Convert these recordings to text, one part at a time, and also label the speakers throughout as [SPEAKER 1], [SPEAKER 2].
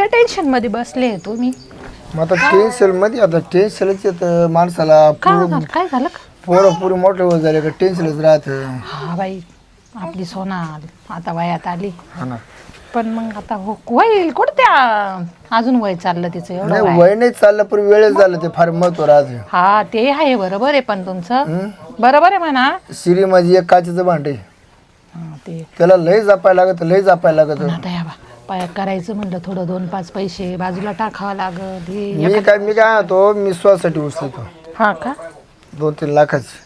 [SPEAKER 1] काय टेन्शन मध्ये बसले तुम्ही?
[SPEAKER 2] मग आता टेन्शन मध्ये आता टेन्शनच येतं माणसाला.
[SPEAKER 1] काय झालं का?
[SPEAKER 2] पोरं पुरी मोठे होत झाले का टेन्शनच राहतं.
[SPEAKER 1] हा बाई, आपली सोना आता वयात आली.
[SPEAKER 2] हा ना.
[SPEAKER 1] पण मग आता होईल कुठं त्या अजून वय चाललं तिचं एवढं
[SPEAKER 2] नाही वय नाही चाललं पण वेळच झालं ते फार महत्व राहते.
[SPEAKER 1] हा ते आहे बरोबर आहे पण तुमचं बरोबर आहे म्हणा.
[SPEAKER 2] शिरी माझी एक काचेचं भांडे
[SPEAKER 1] ते
[SPEAKER 2] त्याला लय जपायला लागत लय जपायला लागत.
[SPEAKER 1] आता या बा करायचं म्हणलं थोडं 2-5 पैसे बाजूला टाकावं लागत.
[SPEAKER 2] मी काय होतो मी स्वसाठी उचलतो.
[SPEAKER 1] हा का?
[SPEAKER 2] 2-3 लाखाची.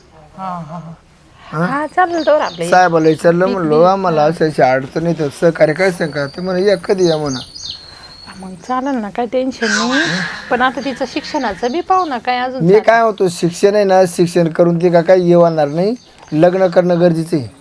[SPEAKER 1] हा चालेल तर आपले
[SPEAKER 2] साहेबाला विचारलं म्हणलो आम्हाला अशी अडचण येतं सहकार्य काय सांगा ते म्हणा या कधी या म्हणा.
[SPEAKER 1] मग चालेल ना, काय टेन्शन नाही. पण आता तिचं शिक्षणाचं बी पाहू ना काय अजून.
[SPEAKER 2] मी काय होतो शिक्षण आहे ना शिक्षण करून ते का काही येणार नाही. लग्न करणं गरजेचं आहे.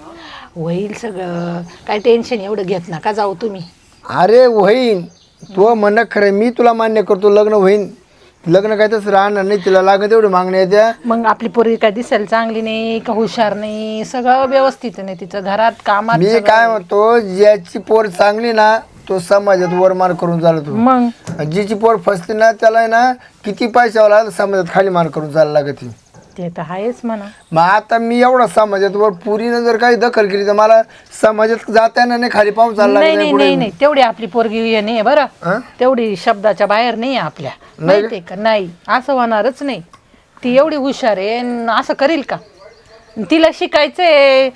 [SPEAKER 1] होईल सगळं, काय टेन्शन एवढं घेत नका जाऊ तुम्ही.
[SPEAKER 2] अरे होईन तू म्हणणं खरं मी तुला मान्य करतो लग्न होईन. लग्न काय तसं राहणार नाही. तिला लागत एवढी मागणी आहे त्या.
[SPEAKER 1] मग आपली पोरगी काय दिसायला चांगली नाही का हुशार नाही, सगळं व्यवस्थित नाही तिचं घरात कामात.
[SPEAKER 2] मी काय म्हणतो ज्याची पोर चांगली ना तो समाजात वरमान करून चालतो.
[SPEAKER 1] मग
[SPEAKER 2] जिची पोर फसते ना त्याला आहे ना किती पैशावाला समाजात खाली मान करून चालायला लागते.
[SPEAKER 1] ते तर आहेच म्हणा.
[SPEAKER 2] मग आता मी एवढा समाजात वर पुरीनं जर काही दखल केली तर मला समाजात जाता येणार नाही. खाली पाहून चालला
[SPEAKER 1] नाही तेवढी आपली पोरगी नाही बरं. तेवढी शब्दाच्या बाहेर नाही आपल्या, माहितीये का? नाही असं होणारच नाही. ती एवढी हुशार आहे असं करील का? तिला शिकायचंय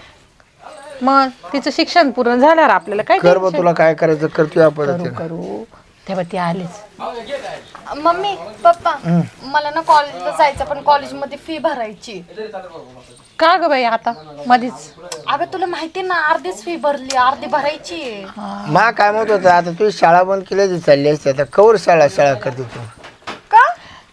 [SPEAKER 1] मग तिचं शिक्षण पूर्ण झाल्यावर आपल्याला काय
[SPEAKER 2] कर तुला काय करायचं करतोय आपण.
[SPEAKER 1] करू तेव्हा ती आलीच.
[SPEAKER 3] मम्मी पप्पा मला ना कॉलेजला जायचं पण कॉलेजमध्ये फी भरायची.
[SPEAKER 1] का ग बाई आता मधीच?
[SPEAKER 3] अगं तुला माहिती ना अर्धीच फी भरली अर्धी भरायची.
[SPEAKER 2] मा काय म्हणत होतं आता तू शाळा बंद केली चालली असते आता कवर शाळा करते तू
[SPEAKER 3] का?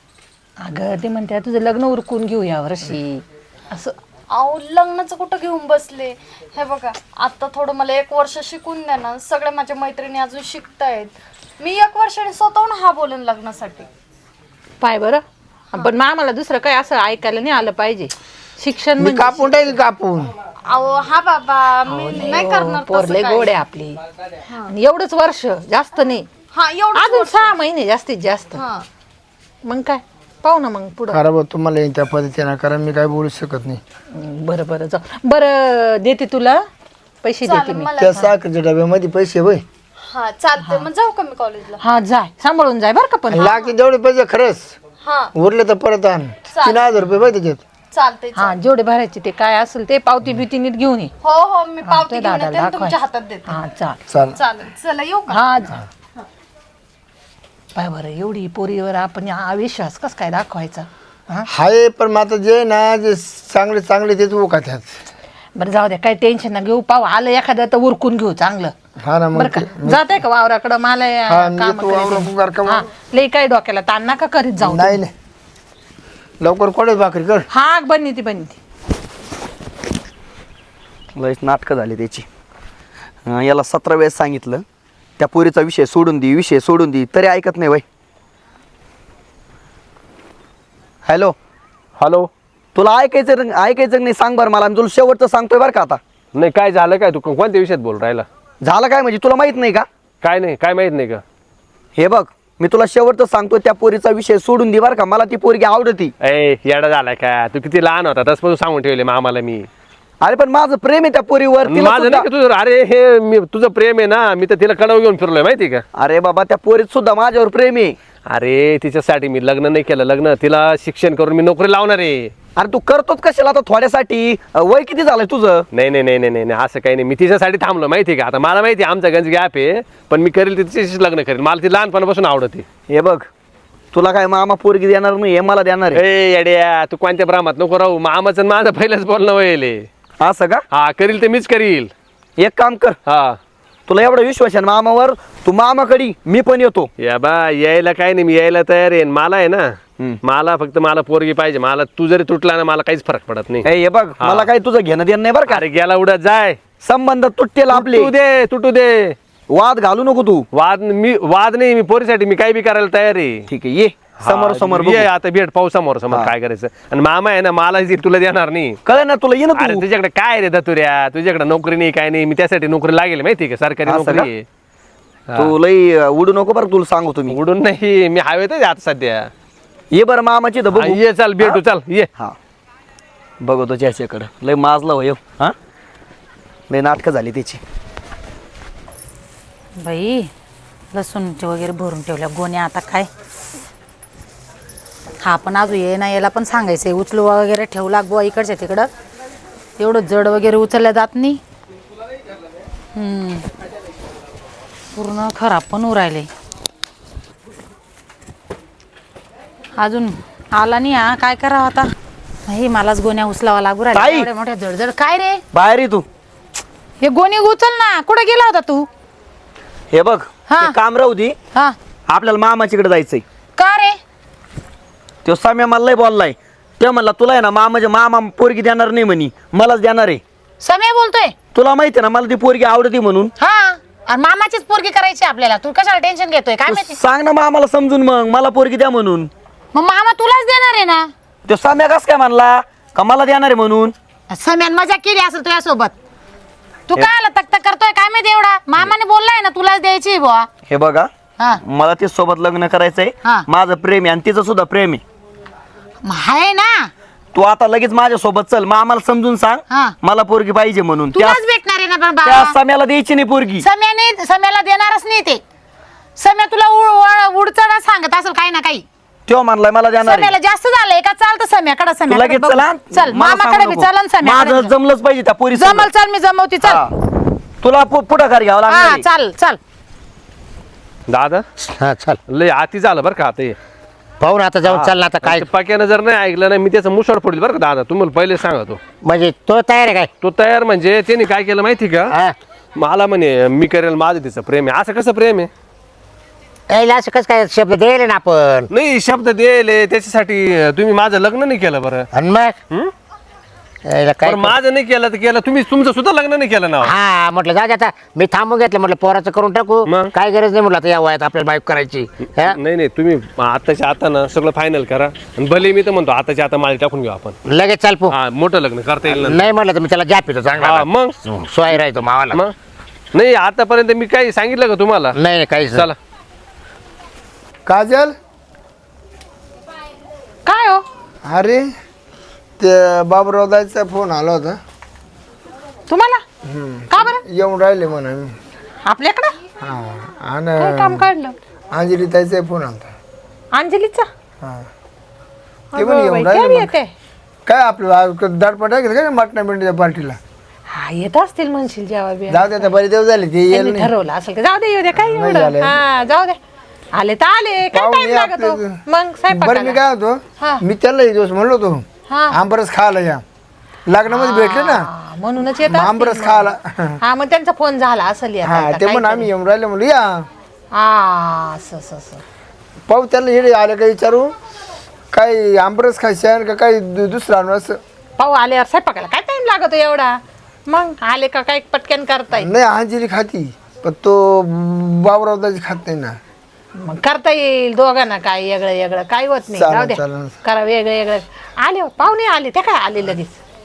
[SPEAKER 1] अगं ते म्हणते तुझं लग्न उरकून घेऊ या वर्षी असं.
[SPEAKER 3] अहो लग्नाचं कुठं घेऊन बसले. हे बघा आता थोडं मला 1 वर्ष शिकून द्या ना. सगळ्या माझ्या मैत्रिणी अजून शिकतायत. मी 1 वर्षाने स्वतःहून हा बोलेन लग्नासाठी.
[SPEAKER 1] पाय बरं. पण आम्हाला दुसरं काय असं ऐकायला नाही आलं पाहिजे. शिक्षण
[SPEAKER 2] मी कापून टाकेल कापून.
[SPEAKER 3] अहो हा बाबा मी नाही करणार
[SPEAKER 1] पोरले गोड आहे आपली. आणि एवढंच वर्ष जास्त नाही.
[SPEAKER 3] हा एवढं
[SPEAKER 1] अजून 6 महिने जास्तीत जास्त.
[SPEAKER 3] हा
[SPEAKER 1] मग काय पाहू ना मग पुढं.
[SPEAKER 2] खरं तुम्हाला येईन त्या पद्धतीनं कारण मी काय बोलू शकत नाही.
[SPEAKER 1] बरं जाऊ. बरं देते तुला पैसे देते मी.
[SPEAKER 2] त्या साखरेच्या डब्यामध्ये पैसे होय.
[SPEAKER 3] हा चालतंय मग जाऊ का मी कॉलेजला?
[SPEAKER 1] हा जाय सांभाळून जाय बरं का. पण
[SPEAKER 2] लागते जेवढे पैसे खरंच
[SPEAKER 3] हा
[SPEAKER 2] उरले तर परत आण. 3000 रुपये पाहिजे त्याच्यात.
[SPEAKER 3] चालतंय.
[SPEAKER 1] हा जेवढे भरायचे ते काय असेल ते पावती बिवती नीट घेऊन ये.
[SPEAKER 3] हो मी पावती घेऊन
[SPEAKER 1] दादाला
[SPEAKER 3] येते आणि
[SPEAKER 1] दाखवाय.
[SPEAKER 3] तुमच्या हातात देते.
[SPEAKER 1] हा चाल.
[SPEAKER 3] चालेल चला येऊ का?
[SPEAKER 1] हा जा. पाय बरं एवढी पोरीवर आपण अविश्वास कस काय दाखवायचा?
[SPEAKER 2] हाय पण मग आता जे ना जे चांगले तेच ओका त्यात.
[SPEAKER 1] बरं जाऊ द्या काही टेन्शन ना घेऊ. पाव आलं एखादं तर उरकून घेऊ चांगलं.
[SPEAKER 2] हा ना मग
[SPEAKER 1] बरं का जात आहे का वावराकडं मला लई काही डोक्याला ताण नका करीत जाऊ.
[SPEAKER 2] नाही लवकर कोणच भाकरी कर.
[SPEAKER 1] हा बनी ती
[SPEAKER 4] लयच नाटकं झाली त्याची. याला 17 वेळेस सांगितलं त्या पोरीचा विषय सोडून दे तरी ऐकत नाही बाई. हॅलो तुला ऐकायचं नाही सांग बरं मला. मी तुला शेवटचं सांगतोय बरं का आता.
[SPEAKER 5] नाही काय झालं काय तू कोणत्या विषयात बोल राहिला?
[SPEAKER 4] झालं काय म्हणजे तुला माहित नाही का?
[SPEAKER 5] काय नाही काय माहित नाही का?
[SPEAKER 4] हे बघ मी तुला शेवटचं सांगतोय त्या पोरीचा विषय सोडून दे बरं का. मला ती पोरगी आवडती.
[SPEAKER 5] येडा झालाय का तू? किती लहान होता तसं सांगून ठेवले आम्हाला मी.
[SPEAKER 4] अरे पण माझं प्रेम आहे त्या पोरीवर.
[SPEAKER 5] माझं नाही का तुझं? अरे हे मी तुझं प्रेम आहे ना. मी तर तिला कडव घेऊन फिरलोय माहिती का?
[SPEAKER 4] अरे बाबा त्या पोरीत सुद्धा माझ्यावर प्रेम आहे.
[SPEAKER 5] अरे तिच्यासाठी मी लग्न नाही केलं. लग्न तिला शिक्षण करून मी नोकरी लावणार आहे.
[SPEAKER 4] अरे तू करतोच कशाला आता थोड्यासाठी? वय किती झालंय तुझं?
[SPEAKER 5] नाही असं काही नाही. मी तिच्यासाठी थांबलो माहिती का? आता मला माहिती आमचा गंज गॅप आहे पण मी करेल तिच्याशीच लग्न करेल. मला ती लहानपणापासून आवडते.
[SPEAKER 4] हे बघ तुला काय मामा पोरगी देणार नाही हे मला देणार आहे.
[SPEAKER 5] येड्या तू कोणत्या भ्रमात नको राहू. मामाचं माझं पहिलंच बोलणं व्हायले.
[SPEAKER 4] असं का?
[SPEAKER 5] हा करील ते मीच करील.
[SPEAKER 4] एक काम कर.
[SPEAKER 5] हा
[SPEAKER 4] तुला एवढा विश्वास आहे मामावर तू मामाकडे मी पण येतो.
[SPEAKER 5] या बा यायला काय नाही. मी यायला तयार आहे. मला आहे ना मला फक्त मला पोरगी पाहिजे. मला तू जरी तुटला ना मला काहीच फरक पडत नाही.
[SPEAKER 4] हे बघ मला काही तुझं घेणं देणं नाही बरं का.
[SPEAKER 5] अरे गेला उडत जाय.
[SPEAKER 4] संबंध तुटतील आपले.
[SPEAKER 5] तुटू दे.
[SPEAKER 4] वाद घालू नको तू.
[SPEAKER 5] वाद नाही. मी पोरीसाठी मी काही बी करायला तयार आहे.
[SPEAKER 4] ठीक आहे ये समोर
[SPEAKER 5] ये आता भेट पाहू समोर काय करायचं. आणि मामा आहे ना मला तुला देणार नाही.
[SPEAKER 4] कळ ना तुला ये ना
[SPEAKER 5] अरे
[SPEAKER 4] तू.
[SPEAKER 5] तुझ्याकडे काय रे दतुऱ्या? तुझ्याकडे नोकरी नाही काय नाही. मी त्यासाठी नोकरी लागेल माहिती का? सरकारी नोकरी आहे.
[SPEAKER 4] तू लई उडू नको बरं, तुला सांगू तुम्ही.
[SPEAKER 5] उडून नाही, मी हवेत आहे आता सध्या.
[SPEAKER 4] ये बरं मामाची तर बघू.
[SPEAKER 5] ये चल भेटू, चल ये.
[SPEAKER 4] हा बघतो ज्याच्याकडं लय माजला हो हा, लय नाटकं झाली त्याची.
[SPEAKER 6] बाई लसूणचे वगैरे भरून ठेवल्या गोण्या, आता काय हा पण अजून ये ना, याला पण सांगायचंय उचलू वगैरे ठेवला बुवा इकडच्या तिकडं, एवढं जड वगैरे उचलल्या जात नाही. पूर्ण खराब पण उरायले. अजून आला नाही हा, काय करावं आता. नाही मलाच गोण्या उचलावा लागू
[SPEAKER 4] ताई!
[SPEAKER 6] राहिल्या एवढ्या मोठ्या जड. काय रे
[SPEAKER 4] बाहेर ये तू.
[SPEAKER 6] हे गोणी उचल ना, कुठं गेला होता तू.
[SPEAKER 4] हे बघ
[SPEAKER 6] हा.
[SPEAKER 4] ते काम राहू दे,
[SPEAKER 6] हा
[SPEAKER 4] आपल्याला मामाच्याकडे जायचंय.
[SPEAKER 6] का रे.
[SPEAKER 4] तो सम्या मला लय बोललाय. ते म्हणला तुला आहे ना मामाच्या मामा पोरगी देणार नाही म्हणी, मलाच देणार आहे.
[SPEAKER 6] समय बोलतोय.
[SPEAKER 4] तुला माहिती ना मला ती पोरगी आवडती म्हणून.
[SPEAKER 6] हा आणि मामाचीच पोरगी करायची आपल्याला, तू कशाला टेन्शन घेतोय काय माहिती.
[SPEAKER 4] सांग ना मामाला समजून, मग मला पोरगी द्या म्हणून.
[SPEAKER 6] मग मामा तुलाच देणार आहे ना.
[SPEAKER 4] तो सम्या कस काय म्हणला का मला देणार आहे म्हणून.
[SPEAKER 6] सम्यान मजा केली असेल तुझ्यासोबत. तू काय आला तक करतोय काय माहिती एवढा. मामाने बोललाय ना तुलाच द्यायची बुवा.
[SPEAKER 4] हे बघा
[SPEAKER 6] हा
[SPEAKER 4] मला ते सोबत लग्न करायचंय.
[SPEAKER 6] हा.
[SPEAKER 4] माझं प्रेम आहे आणि तिचं सुद्धा प्रेम आहे.
[SPEAKER 6] मग आहे ना.
[SPEAKER 4] तू आता लगेच माझ्या सोबत चल, मामाला समजून सांग
[SPEAKER 6] हा.
[SPEAKER 4] मला पोरगी पाहिजे म्हणून.
[SPEAKER 6] तुलाच भेटणार आहे ना पण
[SPEAKER 4] त्या
[SPEAKER 6] बाबा.
[SPEAKER 4] सम्याला द्यायची नाही पोरगी.
[SPEAKER 6] सम्याला देणारच नाही ते. सम्या तुला उडचडा सांगत असेल काही ना काही.
[SPEAKER 4] तो म्हणलाय मला देणार आहे.
[SPEAKER 6] सम्याला जास्त झालंय का. चालतं सम्याकडे.
[SPEAKER 4] तू लगेच चला.
[SPEAKER 6] चल
[SPEAKER 4] मला
[SPEAKER 6] मामाकडे
[SPEAKER 4] सांगू
[SPEAKER 6] बी
[SPEAKER 4] नको.
[SPEAKER 6] चल आणि
[SPEAKER 4] माझं
[SPEAKER 6] सम्याकडे
[SPEAKER 4] जमलंच पाहिजे त्या पोरी
[SPEAKER 6] जमल. चल मी जमवती. चल
[SPEAKER 4] तुला पुढाकार घ्यावा
[SPEAKER 6] हा
[SPEAKER 4] लागणार आहे.
[SPEAKER 6] चल चल.
[SPEAKER 5] दादा
[SPEAKER 7] हा चल
[SPEAKER 5] लय आती झालं बरं का आता हे.
[SPEAKER 7] पाहू ना आता जाऊन चाल ना आता काय.
[SPEAKER 5] ते पक्यानं जर नाही ऐकलं नाही, मी त्याचं मुसळ फोडली बरं का दादा, तुम्हाला पहिले सांगतो.
[SPEAKER 7] म्हणजे तो तयार आहे काय.
[SPEAKER 5] तो तयार म्हणजे त्याने काय केलं माहिती का,
[SPEAKER 7] हा
[SPEAKER 5] मला म्हणे मी करेल, माझं तिचं प्रेम आहे. असं कसं प्रेम आहे.
[SPEAKER 7] यायला असं कसं काय शब्द द्यायला ना आपण.
[SPEAKER 5] नाही शब्द दिले त्याच्यासाठी तुम्ही माझं लग्न नाही केलं बरं.
[SPEAKER 7] आणि मग
[SPEAKER 5] हं?
[SPEAKER 7] यायला काय
[SPEAKER 5] पण माझं नाही केलं तर केलं, तुम्ही तुमचं सुद्धा लग्न नाही केलं ना.
[SPEAKER 7] हा म्हटलं जाऊ दे आता. मी थांबून घेतलं म्हटलं पोराचं करून टाकू.
[SPEAKER 5] मग?
[SPEAKER 7] काय गरज नाही म्हटलं आता या वयात आपल्याला बाईक करायची. हा?
[SPEAKER 5] नाही नाही, तुम्ही आताच्या आता ना सगळं फायनल करा. आणि भले मी तर म्हणतो आताच्या आता माळी टाकून घेऊ आपण.
[SPEAKER 7] लगेच चाल पो.
[SPEAKER 5] हा मोठं लग्न करता येईल ना.
[SPEAKER 7] नाही म्हटलं तर मी त्याला जाप येतो
[SPEAKER 5] हा
[SPEAKER 7] चांगला.
[SPEAKER 5] मग
[SPEAKER 7] सोय राहतो मावाला.
[SPEAKER 5] मग नाही आतापर्यंत मी काही सांगितलं का तुम्हाला.
[SPEAKER 7] नाही नाही काहीच नाही.
[SPEAKER 5] चला
[SPEAKER 2] काजल,
[SPEAKER 1] काय हो
[SPEAKER 2] अरे ते बाबूराव दाचा फोन आला होता.
[SPEAKER 1] तुम्हाला का बरं
[SPEAKER 2] येऊन राहिले म्हणा मी.
[SPEAKER 1] आपल्याकडं
[SPEAKER 2] हा
[SPEAKER 1] काय काम
[SPEAKER 2] आणि
[SPEAKER 1] काढलं.
[SPEAKER 2] अंजली ताईचा फोन आलता.
[SPEAKER 1] अंजलीचा
[SPEAKER 2] हा ते पण
[SPEAKER 1] अगं
[SPEAKER 2] येऊन
[SPEAKER 1] बाई,
[SPEAKER 2] राहिले
[SPEAKER 1] केव्हा
[SPEAKER 2] मग.
[SPEAKER 1] येते.
[SPEAKER 2] काय आपलं दाटपट आहे का मटणा बिंडीच्या पार्टीला.
[SPEAKER 1] हा येत असतील म्हणशील जेव्हा बी.
[SPEAKER 2] जाऊ दे बरे देव झाले ते येईल
[SPEAKER 1] त्यांनी
[SPEAKER 2] नाही.
[SPEAKER 1] ठरवलं असेल का जाऊ दे येऊ दे काय
[SPEAKER 2] नाही
[SPEAKER 1] एवढं.
[SPEAKER 2] झालं.
[SPEAKER 1] हा जाऊ दे. आले तर आले काय
[SPEAKER 2] पाहुणे
[SPEAKER 1] टाइम लागतो
[SPEAKER 2] आपले-
[SPEAKER 1] मग
[SPEAKER 2] बरं मी
[SPEAKER 1] स्वयंपाकाला.
[SPEAKER 2] काय होतो
[SPEAKER 1] हा.
[SPEAKER 2] मी त्याला एक दिवस म्हणलो होतो
[SPEAKER 1] हा.
[SPEAKER 2] आंबरस खायला या. लग्नामध्ये भेटले ना
[SPEAKER 1] हा, म्हणूनच येत
[SPEAKER 2] मग
[SPEAKER 1] असतील
[SPEAKER 2] आंबरस
[SPEAKER 1] मग.
[SPEAKER 2] खायला.
[SPEAKER 1] हा मग त्यांचा फोन झाला असेल येता
[SPEAKER 2] हा
[SPEAKER 1] येता
[SPEAKER 2] ते पण
[SPEAKER 1] काहीतरी.
[SPEAKER 2] आम्ही येऊन राहिले म्हणलं या
[SPEAKER 1] असं असं असं.
[SPEAKER 2] पाहू त्याला हे आलं का विचारू काही आंबरस खायचं का काही दुसरं आणू असं.
[SPEAKER 1] पाहू आल्यावर स्वयंपाकाला काय टाइम लागतो एवढा. मग आले का काय पटकन करता येईल.
[SPEAKER 2] नाही अंजली खाती पण तो बाबूरावदाची खात नाही ना.
[SPEAKER 1] मग करता येईल दोघांना काय वेगळं वेगळं काय होत नाही.
[SPEAKER 2] चालेल,
[SPEAKER 1] जाऊ द्या
[SPEAKER 2] चालेल.
[SPEAKER 1] करा वेगळं वेगळं. आले हो, पाहुणे आले ते काय आले लगेच.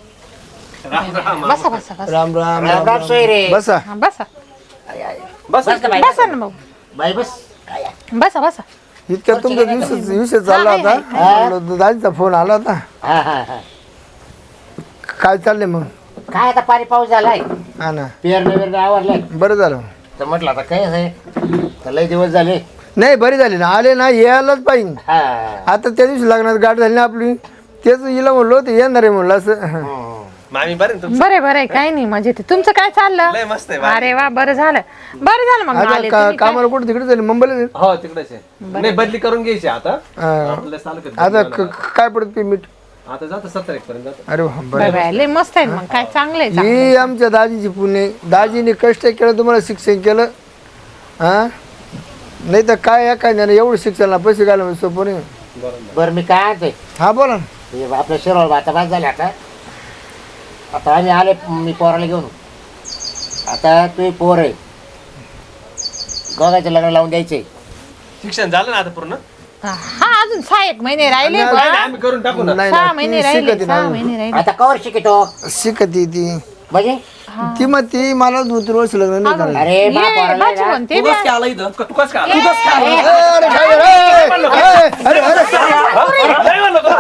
[SPEAKER 1] बसा बसा बसा.
[SPEAKER 2] राम राम
[SPEAKER 7] राम राम सोय रे.
[SPEAKER 2] बसा.
[SPEAKER 1] हा, बसा
[SPEAKER 7] बस का बाई?
[SPEAKER 1] बसा ना मग.
[SPEAKER 7] By bus.
[SPEAKER 1] बसा बसा.
[SPEAKER 2] इतक्या तुमचा विषय चालला
[SPEAKER 1] हाय,
[SPEAKER 2] होता. म्हणलं दाजीचा फोन आला होता.
[SPEAKER 7] हा हा हा.
[SPEAKER 2] काय चाललंय मग.
[SPEAKER 7] काय आता पाणी पाऊस झालाय.
[SPEAKER 2] हा ना
[SPEAKER 7] पेरणे बिरणे आवरलाय.
[SPEAKER 2] बरं झालं.
[SPEAKER 7] तर म्हटलं आता काय आहे तर लय दिवस झाले.
[SPEAKER 2] नाही बरी झाली ना आले ना यायलाच पाहिजे.
[SPEAKER 7] हा
[SPEAKER 2] आता त्या दिवशी लग्नात गाठ झाली ना आपली तेच हिला म्हणलो ते येणार आहे म्हणलं असं.
[SPEAKER 5] मामी बरं ना
[SPEAKER 1] बरे बरे काही नाही म्हणजे ते तुमचं काय
[SPEAKER 5] लय
[SPEAKER 1] चाललं.
[SPEAKER 5] मस्त आहे भारी.
[SPEAKER 1] अरे वा बरं झालं मग
[SPEAKER 2] आता
[SPEAKER 1] आले तुम्ही काय.
[SPEAKER 2] कामाला कुठे तिकडे झाली मुंबईला झाली?
[SPEAKER 5] हो तिकडेच आहे. नाही बदली करून घ्यायची आता.
[SPEAKER 2] हा.
[SPEAKER 5] आपल्याला सारखं
[SPEAKER 2] आता काय पडत पेमेंट.
[SPEAKER 5] आता जातं 70 पर्यंत जातं.
[SPEAKER 2] अरे वा,
[SPEAKER 1] बाय
[SPEAKER 2] बरं.
[SPEAKER 1] बाय लय मस्त आहे मग काय चांगलंय
[SPEAKER 2] ही आमच्या दाजीची पुणे. दाजीने कष्ट केलं तुम्हाला शिक्षण केलं. हा नाही तर काय काय नाही एवढं शिक्षणाला पैसे घाला म्हणजे सोपं नाही.
[SPEAKER 7] बरं मी काय आणते
[SPEAKER 2] हा बोला ना.
[SPEAKER 7] हे आपल्या शिरोळ आता बाद झाले आता. आता आम्ही आले मी पोराला घेऊन. आता तू पोर आहे गोगाचं लग्न लावून द्यायचे.
[SPEAKER 5] शिक्षण झालं ना आता पूर्ण.
[SPEAKER 1] हा अजून 6 महिने राहिले
[SPEAKER 2] नाही,
[SPEAKER 1] बा.
[SPEAKER 5] आम्ही करून टाकू ना.
[SPEAKER 2] नाही
[SPEAKER 1] 6
[SPEAKER 2] ना,
[SPEAKER 1] महिने
[SPEAKER 2] ती
[SPEAKER 1] राहिले
[SPEAKER 2] शिकते
[SPEAKER 1] 6
[SPEAKER 2] ना.
[SPEAKER 1] महिने राहिले.
[SPEAKER 7] आता कवर शिकतो.
[SPEAKER 2] शिकती ती
[SPEAKER 7] म्हणजे
[SPEAKER 2] ती मग ती मला 2-3 वर्ष लग्न नाही करायचं.
[SPEAKER 7] अरे
[SPEAKER 1] ये,
[SPEAKER 7] बाप
[SPEAKER 1] भाजी म्हणते
[SPEAKER 5] तू
[SPEAKER 1] बी.
[SPEAKER 5] कसं काय आला इथं तू कसं काय आला?
[SPEAKER 2] अरे काय अरे अरे
[SPEAKER 5] नाही म्हणलं तू.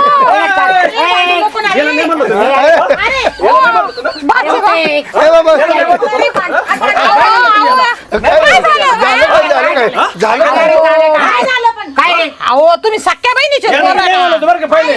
[SPEAKER 5] गेलं नाही म्हणलं तू.
[SPEAKER 2] ए बाबा झालं
[SPEAKER 7] काय रे
[SPEAKER 1] अहो तुम्ही सख्या बहिणीचे
[SPEAKER 5] गेलं
[SPEAKER 1] पोरं
[SPEAKER 5] नाही
[SPEAKER 1] ना.
[SPEAKER 5] म्हणलं तू बरं का पहिले.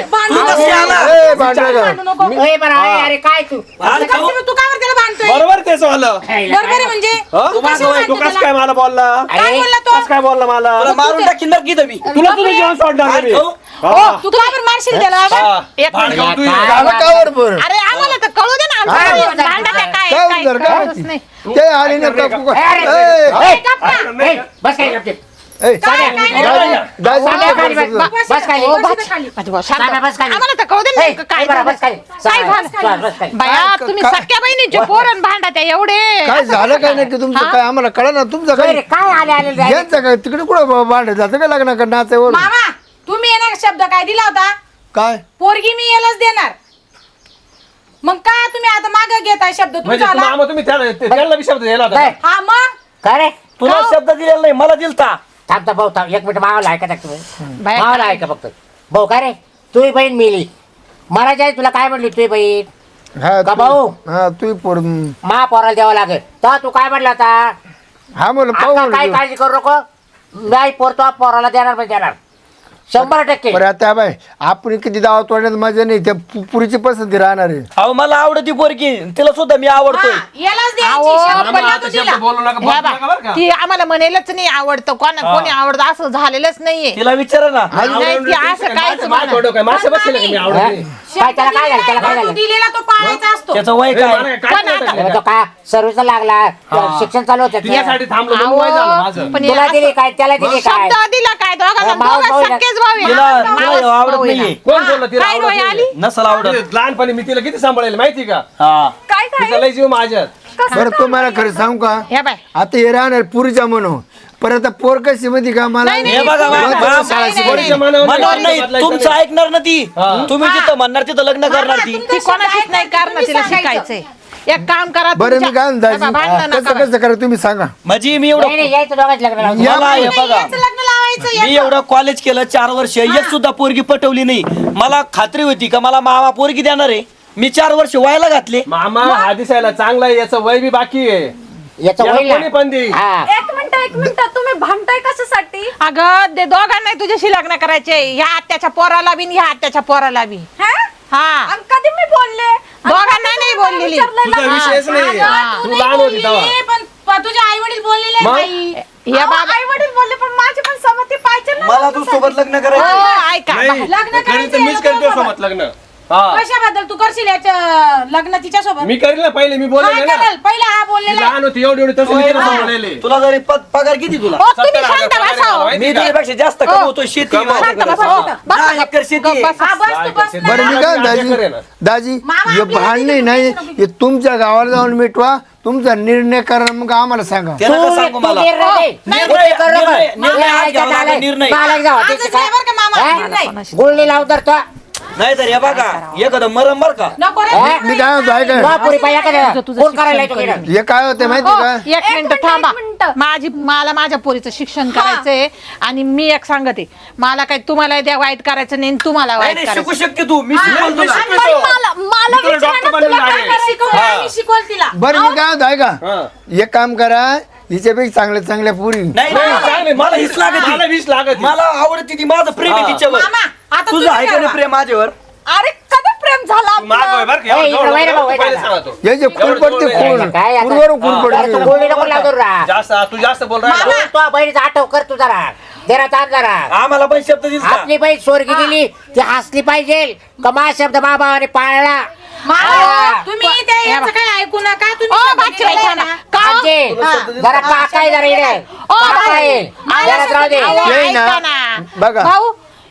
[SPEAKER 7] ए बरं अरे काय तू
[SPEAKER 6] तू काय त्याला बांधतोय
[SPEAKER 5] बरोबर तेच झालं.
[SPEAKER 6] बरोबर आहे म्हणजे
[SPEAKER 5] तू कसं काय मला बोलला
[SPEAKER 7] अरे
[SPEAKER 5] कसं काय बोलला मला
[SPEAKER 4] मारून टाकीन नक्की की तुम्ही
[SPEAKER 5] तुला तुझं जीवन सोडणार नाही मी. हा.
[SPEAKER 6] तू का बरं मारशील त्याला
[SPEAKER 5] हा.
[SPEAKER 1] एक
[SPEAKER 5] भांड
[SPEAKER 1] मिनिट.
[SPEAKER 5] खाऊ तू ये.
[SPEAKER 2] झालं का बरोबर
[SPEAKER 1] अरे आम्हाला तर कळू दे ना आमच्या
[SPEAKER 2] हा.
[SPEAKER 1] घरी भांडण आहे, काय
[SPEAKER 2] काय
[SPEAKER 1] काय
[SPEAKER 2] उदर काय
[SPEAKER 1] कळतच नाही.
[SPEAKER 2] ते आली ना का
[SPEAKER 7] ए, बस काय करते बस खाली.
[SPEAKER 1] ओ, भाजी भाऊ, शांत.
[SPEAKER 7] साम्या, बस खाली.
[SPEAKER 1] आम्हाला तर कळू दे ना
[SPEAKER 7] ए,
[SPEAKER 1] नेमकं काय
[SPEAKER 7] ए, बरं,
[SPEAKER 1] झालं.
[SPEAKER 7] बस खाली.
[SPEAKER 1] काय
[SPEAKER 7] साम्या,
[SPEAKER 1] झालं?
[SPEAKER 7] बस खाली.
[SPEAKER 1] बाया तुम्ही सख्या बहिणीचे पोरण भांडा एवढे
[SPEAKER 2] काय झालं काय नाही की तुमचं काय आम्हाला कळा ना तुमचं
[SPEAKER 7] काय रे,
[SPEAKER 2] काय
[SPEAKER 7] काय आले
[SPEAKER 2] यांचं काय तिकडे कुठं भांडत जातं काय लग्न कर नाचावर
[SPEAKER 6] मामा तुम्ही येणार शब्द काय दिला होता
[SPEAKER 2] काय
[SPEAKER 6] पोरगी मी यालाच देणार मग काय तुम्ही आता मागे घेताय शब्द
[SPEAKER 5] म्हणजे
[SPEAKER 6] तुमचा आला
[SPEAKER 5] मामा तुम्ही त्याला बी शब्द दिला होता
[SPEAKER 7] काय?
[SPEAKER 5] का?
[SPEAKER 6] हा मग
[SPEAKER 7] काय रे
[SPEAKER 4] तुला शब्द दिलेला नाही मला दिलता
[SPEAKER 7] थांब भाऊ थांब 1 मिनिट मावाला ऐका तुम्ही
[SPEAKER 1] बाया
[SPEAKER 7] मावाला ऐका फक्त भाऊ काय रे तुझी बहीण मिली महाराज तुला काय म्हणली तुझी बहीण
[SPEAKER 2] हा
[SPEAKER 7] का भाऊ?
[SPEAKER 2] हा तू पोर
[SPEAKER 7] महापौराला द्यावं लागेल तर तू काय म्हणला होता
[SPEAKER 2] हा बोल
[SPEAKER 7] आता काय काळजी करू नको नाही पोरतो पोराला देणार म्हणजे देणार 100%.
[SPEAKER 2] बरं आता बाय आपण किती दावा तोडण्यात मजा नाही त्या पुरीची पसंती राहणार आहे
[SPEAKER 4] अहो मला आवडती पोरगी तिला सुद्धा मी आवडतोय
[SPEAKER 6] यालाच
[SPEAKER 1] अहो,
[SPEAKER 6] द्यायची शब्द
[SPEAKER 5] मामा,
[SPEAKER 6] दिला
[SPEAKER 5] आता
[SPEAKER 6] तू
[SPEAKER 5] शब्द
[SPEAKER 6] दिला.
[SPEAKER 5] बोलू नका
[SPEAKER 1] ह्या
[SPEAKER 5] बोलू
[SPEAKER 1] बा,
[SPEAKER 5] नका बरं का?
[SPEAKER 1] ती आम्हाला म्हणायलाच नाही आवडतं कोणी आवडतं असं झालेलंच नाहीये
[SPEAKER 4] तिला विचारा ना
[SPEAKER 1] नाही ती असं काहीच
[SPEAKER 5] माझं थोडं काय मासे बसले का मी
[SPEAKER 7] हा?
[SPEAKER 5] आवडते
[SPEAKER 7] काय त्याला काय झालं त्याला काय
[SPEAKER 6] तू
[SPEAKER 7] झालं
[SPEAKER 6] दिलेला तो पाळायचा असतो
[SPEAKER 4] त्याचं वय
[SPEAKER 5] ए,
[SPEAKER 4] काय
[SPEAKER 5] मला काय
[SPEAKER 1] पण
[SPEAKER 5] कळतं
[SPEAKER 1] आता-
[SPEAKER 5] का?
[SPEAKER 7] तो काय सर्व्हिसला लागला शिक्षण चालू होतं त्याचं.
[SPEAKER 5] तुझ्यासाठी थांबलो म्हणून वय झालं
[SPEAKER 1] अहो,
[SPEAKER 5] माझं
[SPEAKER 1] पण
[SPEAKER 7] तुला
[SPEAKER 1] असं-
[SPEAKER 7] दिली काय त्याला दिली काय
[SPEAKER 1] शब्द दिला काय दोघांना
[SPEAKER 7] माव-
[SPEAKER 1] दोघं
[SPEAKER 7] माव-
[SPEAKER 1] सख्खेच भाऊ आहे.
[SPEAKER 4] तिला
[SPEAKER 1] मावस
[SPEAKER 4] तिला आवडत
[SPEAKER 1] भाऊ आहे
[SPEAKER 4] नाहीये
[SPEAKER 1] ना.
[SPEAKER 5] कोण बोललं तिला
[SPEAKER 1] काय
[SPEAKER 5] आवडत
[SPEAKER 1] वय
[SPEAKER 5] नाही?
[SPEAKER 1] आली
[SPEAKER 4] नसल आवडत
[SPEAKER 5] लहानपणी मी तिला किती सांभाळेल माहिती का
[SPEAKER 4] हा
[SPEAKER 3] काय
[SPEAKER 5] तिचा लय जीव माझ्यात
[SPEAKER 2] बरं तुम्हाला खरं सांगू का
[SPEAKER 1] ह्या बाय
[SPEAKER 2] आता हे राहणार पुरीच्या म्हणून परत पोर कशी मध्ये का मला
[SPEAKER 1] नाही,
[SPEAKER 4] हे बघा
[SPEAKER 1] नाही,
[SPEAKER 4] मा-
[SPEAKER 1] नाही,
[SPEAKER 4] मा-
[SPEAKER 1] नाही,
[SPEAKER 5] पोरीच्या
[SPEAKER 1] नाही.
[SPEAKER 5] मनावर
[SPEAKER 4] म्हणणार नाही
[SPEAKER 5] बदलायचं
[SPEAKER 4] तुमचं
[SPEAKER 5] नाही.
[SPEAKER 4] ऐकणार ना ती
[SPEAKER 5] हा.
[SPEAKER 4] तुम्ही जिथं म्हणणार तिथं लग्न करणार ती
[SPEAKER 1] ती कोणाचीच नाही कारण तिला शिकायचंय एक काम करा
[SPEAKER 2] बरं मी
[SPEAKER 1] तुमच्या-
[SPEAKER 2] काय म्हणतो
[SPEAKER 1] हे बा, भांडणं
[SPEAKER 2] दाजी?
[SPEAKER 1] नका
[SPEAKER 2] कसं कसं करा तुम्ही सांगा
[SPEAKER 4] म्हणजे मी
[SPEAKER 7] नाही
[SPEAKER 4] एवढं
[SPEAKER 7] नाही, यायचं दोघांच लग्न लावून.
[SPEAKER 2] या-
[SPEAKER 4] मला हे बघा
[SPEAKER 6] याचं लग्न लावायचं
[SPEAKER 4] मी एवढं कॉलेज केलं 4 वर्ष एक सुद्धा पोरगी पटवली नाही मला खात्री होती का मला मामा पोरगी देणार आहे मी 4 वर्ष व्हायला घातले
[SPEAKER 5] मामा हा दिसायला चांगला आहे याचं वय बी बाकी आहे
[SPEAKER 7] याचं
[SPEAKER 5] याला
[SPEAKER 7] होईल ना.
[SPEAKER 5] कोणी पण देईल.
[SPEAKER 7] हा.
[SPEAKER 3] एक मिनिट तुम्ही भांडताय कशासाठी
[SPEAKER 1] अगं ते दोघांना तुझ्याशी लग्न करायचे ह्या आत्याच्या पोराला बी ह्या आत्याच्या पोराला बी
[SPEAKER 3] हा?
[SPEAKER 1] हा
[SPEAKER 3] आणि कधी मी बोलले आणि
[SPEAKER 1] दोघांना
[SPEAKER 3] कधी
[SPEAKER 1] नाही
[SPEAKER 3] मला
[SPEAKER 1] बोललेली.
[SPEAKER 3] विचारलंय
[SPEAKER 5] तुझा
[SPEAKER 3] ना?
[SPEAKER 5] विषयच नाही
[SPEAKER 6] तू
[SPEAKER 5] तू
[SPEAKER 6] नाही
[SPEAKER 5] लहान होती तेव्हा
[SPEAKER 6] बोललेली, पण तुझे आई वडील बोललेले
[SPEAKER 5] मग?
[SPEAKER 6] बाई
[SPEAKER 1] या बाबा
[SPEAKER 3] आई वडील बोलले पण माझी पण सहमती पाहिजे ना
[SPEAKER 4] मला तू सोबत लग्न
[SPEAKER 1] हो,
[SPEAKER 4] करायचं
[SPEAKER 1] ऐका
[SPEAKER 5] नाही
[SPEAKER 6] लग्न
[SPEAKER 5] करीन तर
[SPEAKER 6] करायचं
[SPEAKER 5] मीच
[SPEAKER 6] याला
[SPEAKER 5] करतो
[SPEAKER 6] सोबत.
[SPEAKER 5] सोबत लग्न हा
[SPEAKER 6] कशाबद्दल तू करशील याच्या लग्न तिच्या सोबत
[SPEAKER 5] मी करील ना पहिले मी
[SPEAKER 6] हा
[SPEAKER 5] बोलले ना
[SPEAKER 6] करेल पहिला हा
[SPEAKER 5] ती
[SPEAKER 6] बोललेला
[SPEAKER 5] लहान होती एवढी एवढी तसं मी तिला सांभाळलेली.
[SPEAKER 4] तुला जरी पगार किती तुला
[SPEAKER 1] हो, तुम्ही
[SPEAKER 5] 70,000
[SPEAKER 1] शांत
[SPEAKER 5] पगार आहे
[SPEAKER 1] बसा हो.
[SPEAKER 5] मला, माहिती
[SPEAKER 4] मी
[SPEAKER 5] का?
[SPEAKER 4] तुझ्यापेक्षा जास्त कमवतो शेती आहे
[SPEAKER 1] शांत
[SPEAKER 4] माझ्याकडे.
[SPEAKER 1] बसा, हो. बसा,
[SPEAKER 4] 10 एकर शेती आहे.
[SPEAKER 1] बसा.
[SPEAKER 6] हा बस तू बस ना.
[SPEAKER 2] बरं मी काय
[SPEAKER 5] माझी
[SPEAKER 2] दाजी
[SPEAKER 5] आहे ना.
[SPEAKER 2] दाजी
[SPEAKER 6] मामा,
[SPEAKER 2] हे
[SPEAKER 6] आपल्याला
[SPEAKER 2] भांडणे
[SPEAKER 6] किती
[SPEAKER 2] नाही
[SPEAKER 6] नको
[SPEAKER 2] हे तुमच्या गावाला जाऊन मिटवा तुमचा निर्णय करा मग आम्हाला सांगा
[SPEAKER 4] त्याला
[SPEAKER 7] तू
[SPEAKER 4] का सांगू
[SPEAKER 7] तू
[SPEAKER 4] मला
[SPEAKER 7] निर्णय दे.
[SPEAKER 4] निर्णय-
[SPEAKER 7] निर्णय करू नको.
[SPEAKER 4] निर्णय- निर्णय
[SPEAKER 7] निर्णय
[SPEAKER 4] आज घ्यावा
[SPEAKER 7] ऐकायचा
[SPEAKER 4] लागेल,
[SPEAKER 7] आलाय.
[SPEAKER 4] निर्णय.
[SPEAKER 7] मालक जाऊ
[SPEAKER 6] आजच
[SPEAKER 7] त्याची
[SPEAKER 6] नाही बरं का मामा
[SPEAKER 7] हा?
[SPEAKER 6] निर्णय
[SPEAKER 7] गुळणी लावून तर तो
[SPEAKER 4] नाही तर हे बघा एखादं मरम बर का
[SPEAKER 6] नको रे
[SPEAKER 7] हा?
[SPEAKER 2] मी काय म्हणतो ऐका
[SPEAKER 7] पुरी पाहिजे
[SPEAKER 1] तुझं
[SPEAKER 7] कोण करायला
[SPEAKER 1] शिक्षण
[SPEAKER 7] येतो तिकडं?
[SPEAKER 2] हे काय होतं माहिती
[SPEAKER 1] हो,
[SPEAKER 2] का
[SPEAKER 1] एक मिनिट
[SPEAKER 3] मिनिट,
[SPEAKER 1] थांबा
[SPEAKER 3] एक मिनिट.
[SPEAKER 1] मला माझ्या पोरीचं शिक्षण करायचंय आणि मी एक सांगते मला काही तुम्हाला द्या वाईट करायचं नाही आणि तुम्हाला
[SPEAKER 4] नाही
[SPEAKER 1] वाईट
[SPEAKER 4] नाही,
[SPEAKER 1] करायचं
[SPEAKER 4] शिकू शकते तू मी शिकवतो
[SPEAKER 5] मी
[SPEAKER 4] ना.
[SPEAKER 5] शिकवतो.
[SPEAKER 3] पण मला
[SPEAKER 5] मी तुला
[SPEAKER 3] विचारा
[SPEAKER 5] डॉक्टर
[SPEAKER 3] ना,
[SPEAKER 5] बनवून
[SPEAKER 3] तुला काय
[SPEAKER 5] लागेल.
[SPEAKER 3] करायचं?
[SPEAKER 6] शिकवलं मी शिकवल तिला
[SPEAKER 2] बरं मी काय म्हणतो ऐका
[SPEAKER 5] हा.
[SPEAKER 2] एक काम करा हिच्यापेक्षा चांगल्या पुरी
[SPEAKER 4] नाही
[SPEAKER 5] नाही,
[SPEAKER 4] नाही,
[SPEAKER 5] चांगली.
[SPEAKER 4] मला हीच लागत
[SPEAKER 5] मला वीस लागत
[SPEAKER 4] मला आवडती ती माझं प्रेम आहे
[SPEAKER 5] हा.
[SPEAKER 4] तिच्यावर
[SPEAKER 6] मामा आता
[SPEAKER 4] तुझं आहे का नाही प्रेम माझ्यावर
[SPEAKER 3] अरे कधी प्रेम झाला
[SPEAKER 5] मागं
[SPEAKER 3] आपलं?
[SPEAKER 5] आहे बरं का?
[SPEAKER 7] ए,
[SPEAKER 5] एवढं
[SPEAKER 7] इकडं
[SPEAKER 5] जवळ
[SPEAKER 7] वैर
[SPEAKER 5] नको,
[SPEAKER 7] भाऊ,
[SPEAKER 5] पहिले
[SPEAKER 7] वैर
[SPEAKER 5] सांगा तो.
[SPEAKER 2] याचे खून पडते खून
[SPEAKER 7] काय आता?
[SPEAKER 2] पूर्वरून खून
[SPEAKER 7] अरे तू
[SPEAKER 2] पडते
[SPEAKER 7] गुळणी नको लावतो रा
[SPEAKER 5] जास्त तू जास्त बोल राहिला
[SPEAKER 7] तू तो बहिणीचा आठव कर तू जरा जरा ताप जरा
[SPEAKER 4] आम्हाला पण शब्द दिसला
[SPEAKER 7] आपली बहीण स्वर्गी दिली ती हसली पाहिजे कमा शब्द बाबाने पाळला
[SPEAKER 6] मामा तुम्ही त्या याचं काय ऐकू नका
[SPEAKER 1] ओ,
[SPEAKER 6] तुम्ही
[SPEAKER 1] बाची बाई, थांबा. का हो?
[SPEAKER 7] आमचे जरा काकाय जरा इकडे
[SPEAKER 1] ओ,
[SPEAKER 7] काकाय
[SPEAKER 1] मला
[SPEAKER 7] जरा राहू दे
[SPEAKER 1] अहो,
[SPEAKER 2] येई ना.
[SPEAKER 1] ऐका ना.
[SPEAKER 2] बघा.
[SPEAKER 1] भाऊ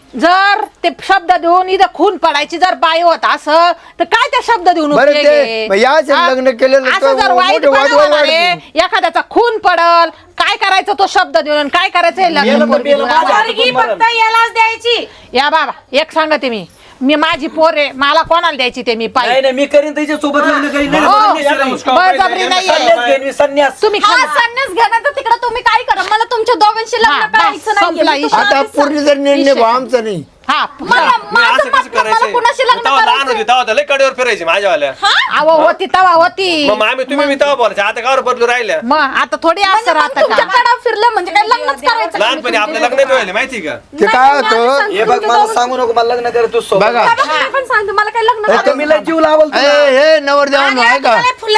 [SPEAKER 1] जर ते शब्द देऊन इथं खून पडायची जर बाई होत असं तर काय त्या शब्द देऊन
[SPEAKER 2] बरं
[SPEAKER 1] उपयोग
[SPEAKER 2] ते
[SPEAKER 1] आहे?
[SPEAKER 2] मग याचे
[SPEAKER 1] हा?
[SPEAKER 2] लग्न केलेलं
[SPEAKER 1] असं
[SPEAKER 2] तर
[SPEAKER 1] जर वाईट
[SPEAKER 2] मोठे वाद
[SPEAKER 1] बनवणार आहे,
[SPEAKER 2] वाढतील.
[SPEAKER 1] एखाद्याचा खून पडल काय करायचं तो शब्द देऊन काय करायचं हे लग्न
[SPEAKER 4] मेलं तर
[SPEAKER 1] पोरगी
[SPEAKER 4] मेलं,
[SPEAKER 1] देऊन
[SPEAKER 4] माझ्या
[SPEAKER 1] आम्हाला?
[SPEAKER 6] पोरगी फक्त यालाच द्यायची
[SPEAKER 1] या बाबा एक सांगते मी मी माझी पोर आहे, मला कोणाला द्यायची ते मी
[SPEAKER 8] नाही
[SPEAKER 1] पाहिजे.
[SPEAKER 8] नाही मी करीन त्याच्या सोबत लग्न करीन नाही,
[SPEAKER 1] हो,
[SPEAKER 8] नाही, संन्यास नाही.
[SPEAKER 1] बळजबरी नाहीये.
[SPEAKER 8] संन्यास घेईन मी, संन्यास.
[SPEAKER 1] तुम्ही
[SPEAKER 3] हा
[SPEAKER 1] खाली-
[SPEAKER 3] संन्यास घेण्याचं तिकडे तुम्ही काय करा, मला तुमच्या दोघांशी
[SPEAKER 1] हा,
[SPEAKER 3] लग्न
[SPEAKER 1] बस,
[SPEAKER 3] करायचं
[SPEAKER 1] संपला
[SPEAKER 3] नाहीये. मी
[SPEAKER 1] विषय.
[SPEAKER 3] तुम्हाला
[SPEAKER 2] आता
[SPEAKER 3] आधीच
[SPEAKER 2] पूर्ण जर निर्णय भाऊ आमचा नाही
[SPEAKER 1] हा
[SPEAKER 3] मला माझं
[SPEAKER 5] असं कसं
[SPEAKER 3] मत नाही, मला कुणाशी लग्न
[SPEAKER 5] तेव्हा लहान
[SPEAKER 3] करायचं
[SPEAKER 5] होती तेव्हा तर लय कडेवर फिरायची माझ्यावाल्या
[SPEAKER 1] अहो होती तवा होती.
[SPEAKER 5] मग मामी तुम्ही मी तेव्हा बोलायचे आता कावर बदलू राहिल्या
[SPEAKER 1] मग आता थोडी असं राहतं
[SPEAKER 3] तुमच्या
[SPEAKER 1] का?
[SPEAKER 3] कडा फिरलं म्हणजे काय लग्नच करायचं का?
[SPEAKER 5] लहानपणी आपलं लग्न नाही व्हायला माहिती का
[SPEAKER 2] ते काय होतं
[SPEAKER 8] हे बघ मला सांगू नको मला लग्न कर तू सोबत
[SPEAKER 2] बघा
[SPEAKER 3] मी पण सांगते मला काय लग्न
[SPEAKER 8] आता मी लय जीव लावल तुला.
[SPEAKER 2] हे नवरदेवांनो आहे का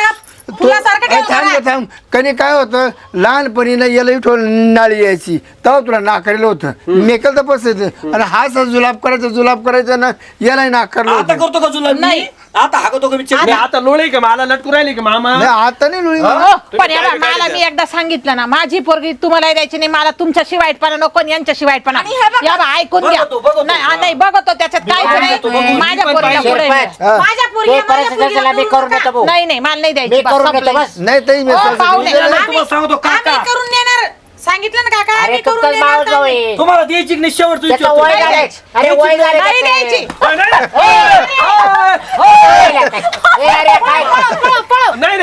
[SPEAKER 2] थांब थांब कधी काय होतं लहानपणी ना याला इथून नाळी यायची तेव्हा तुला नाकारलं होतं मेकल तर बसायचं आणि हा जुलाब करायचा ना यालाही नाकारलं
[SPEAKER 8] आता
[SPEAKER 2] होतं
[SPEAKER 8] करतो का तुला मी आता हाकतो का मी
[SPEAKER 5] मी आता लोळी का मला लटकू राहिली का मामा
[SPEAKER 2] नाही आता नाही लुळी
[SPEAKER 1] हो, पण
[SPEAKER 5] तुम्ही
[SPEAKER 1] याला
[SPEAKER 5] काय
[SPEAKER 1] मला
[SPEAKER 5] विचारलं?
[SPEAKER 1] मी एकदा सांगितलं ना माझी पोरगी तुम्हाला द्यायची नाही, मला तुमच्याशी वाईटपणा नको आणि यांच्याशी वाईटपणा.
[SPEAKER 3] आणि हे बघा-
[SPEAKER 1] या बा, ऐकून घ्या.
[SPEAKER 8] बघतो.
[SPEAKER 1] नाही हा, नाही बघतो त्याच्यात काहीच
[SPEAKER 8] बघतो,
[SPEAKER 1] नाही. माझ्या
[SPEAKER 5] मी पण
[SPEAKER 1] पोरीला
[SPEAKER 5] पाहिजे.
[SPEAKER 1] पुढे
[SPEAKER 7] शिरपत.
[SPEAKER 2] हा.
[SPEAKER 6] माझ्या
[SPEAKER 7] ते
[SPEAKER 6] पोरीला
[SPEAKER 7] परिस्थिती
[SPEAKER 6] माझ्या
[SPEAKER 7] त्याला मी करून देतो भाऊ.
[SPEAKER 1] नाही मला नाही द्यायची
[SPEAKER 7] मी
[SPEAKER 1] बस,
[SPEAKER 7] करून
[SPEAKER 1] संपलं.
[SPEAKER 7] देतो बस.
[SPEAKER 2] नाही ताई मी
[SPEAKER 1] हो,
[SPEAKER 2] सांगतो.
[SPEAKER 1] पाहुणे.
[SPEAKER 8] तुम्हाला सांगतो
[SPEAKER 6] आम्ही
[SPEAKER 8] काका
[SPEAKER 6] करून देणार, सांगितलं ना काका
[SPEAKER 7] अरे
[SPEAKER 6] आम्ही करून
[SPEAKER 7] तुमचाच
[SPEAKER 6] देणार
[SPEAKER 7] मावस भाऊ
[SPEAKER 6] आम्ही.
[SPEAKER 7] आहे.
[SPEAKER 8] तुम्हाला द्यायची की नाही शेवट तू
[SPEAKER 7] त्याचं वय झालंय. अरे वय झालंय
[SPEAKER 1] नाही
[SPEAKER 7] त्याचं.
[SPEAKER 1] द्यायची.
[SPEAKER 7] ए, अरे काय
[SPEAKER 5] नाही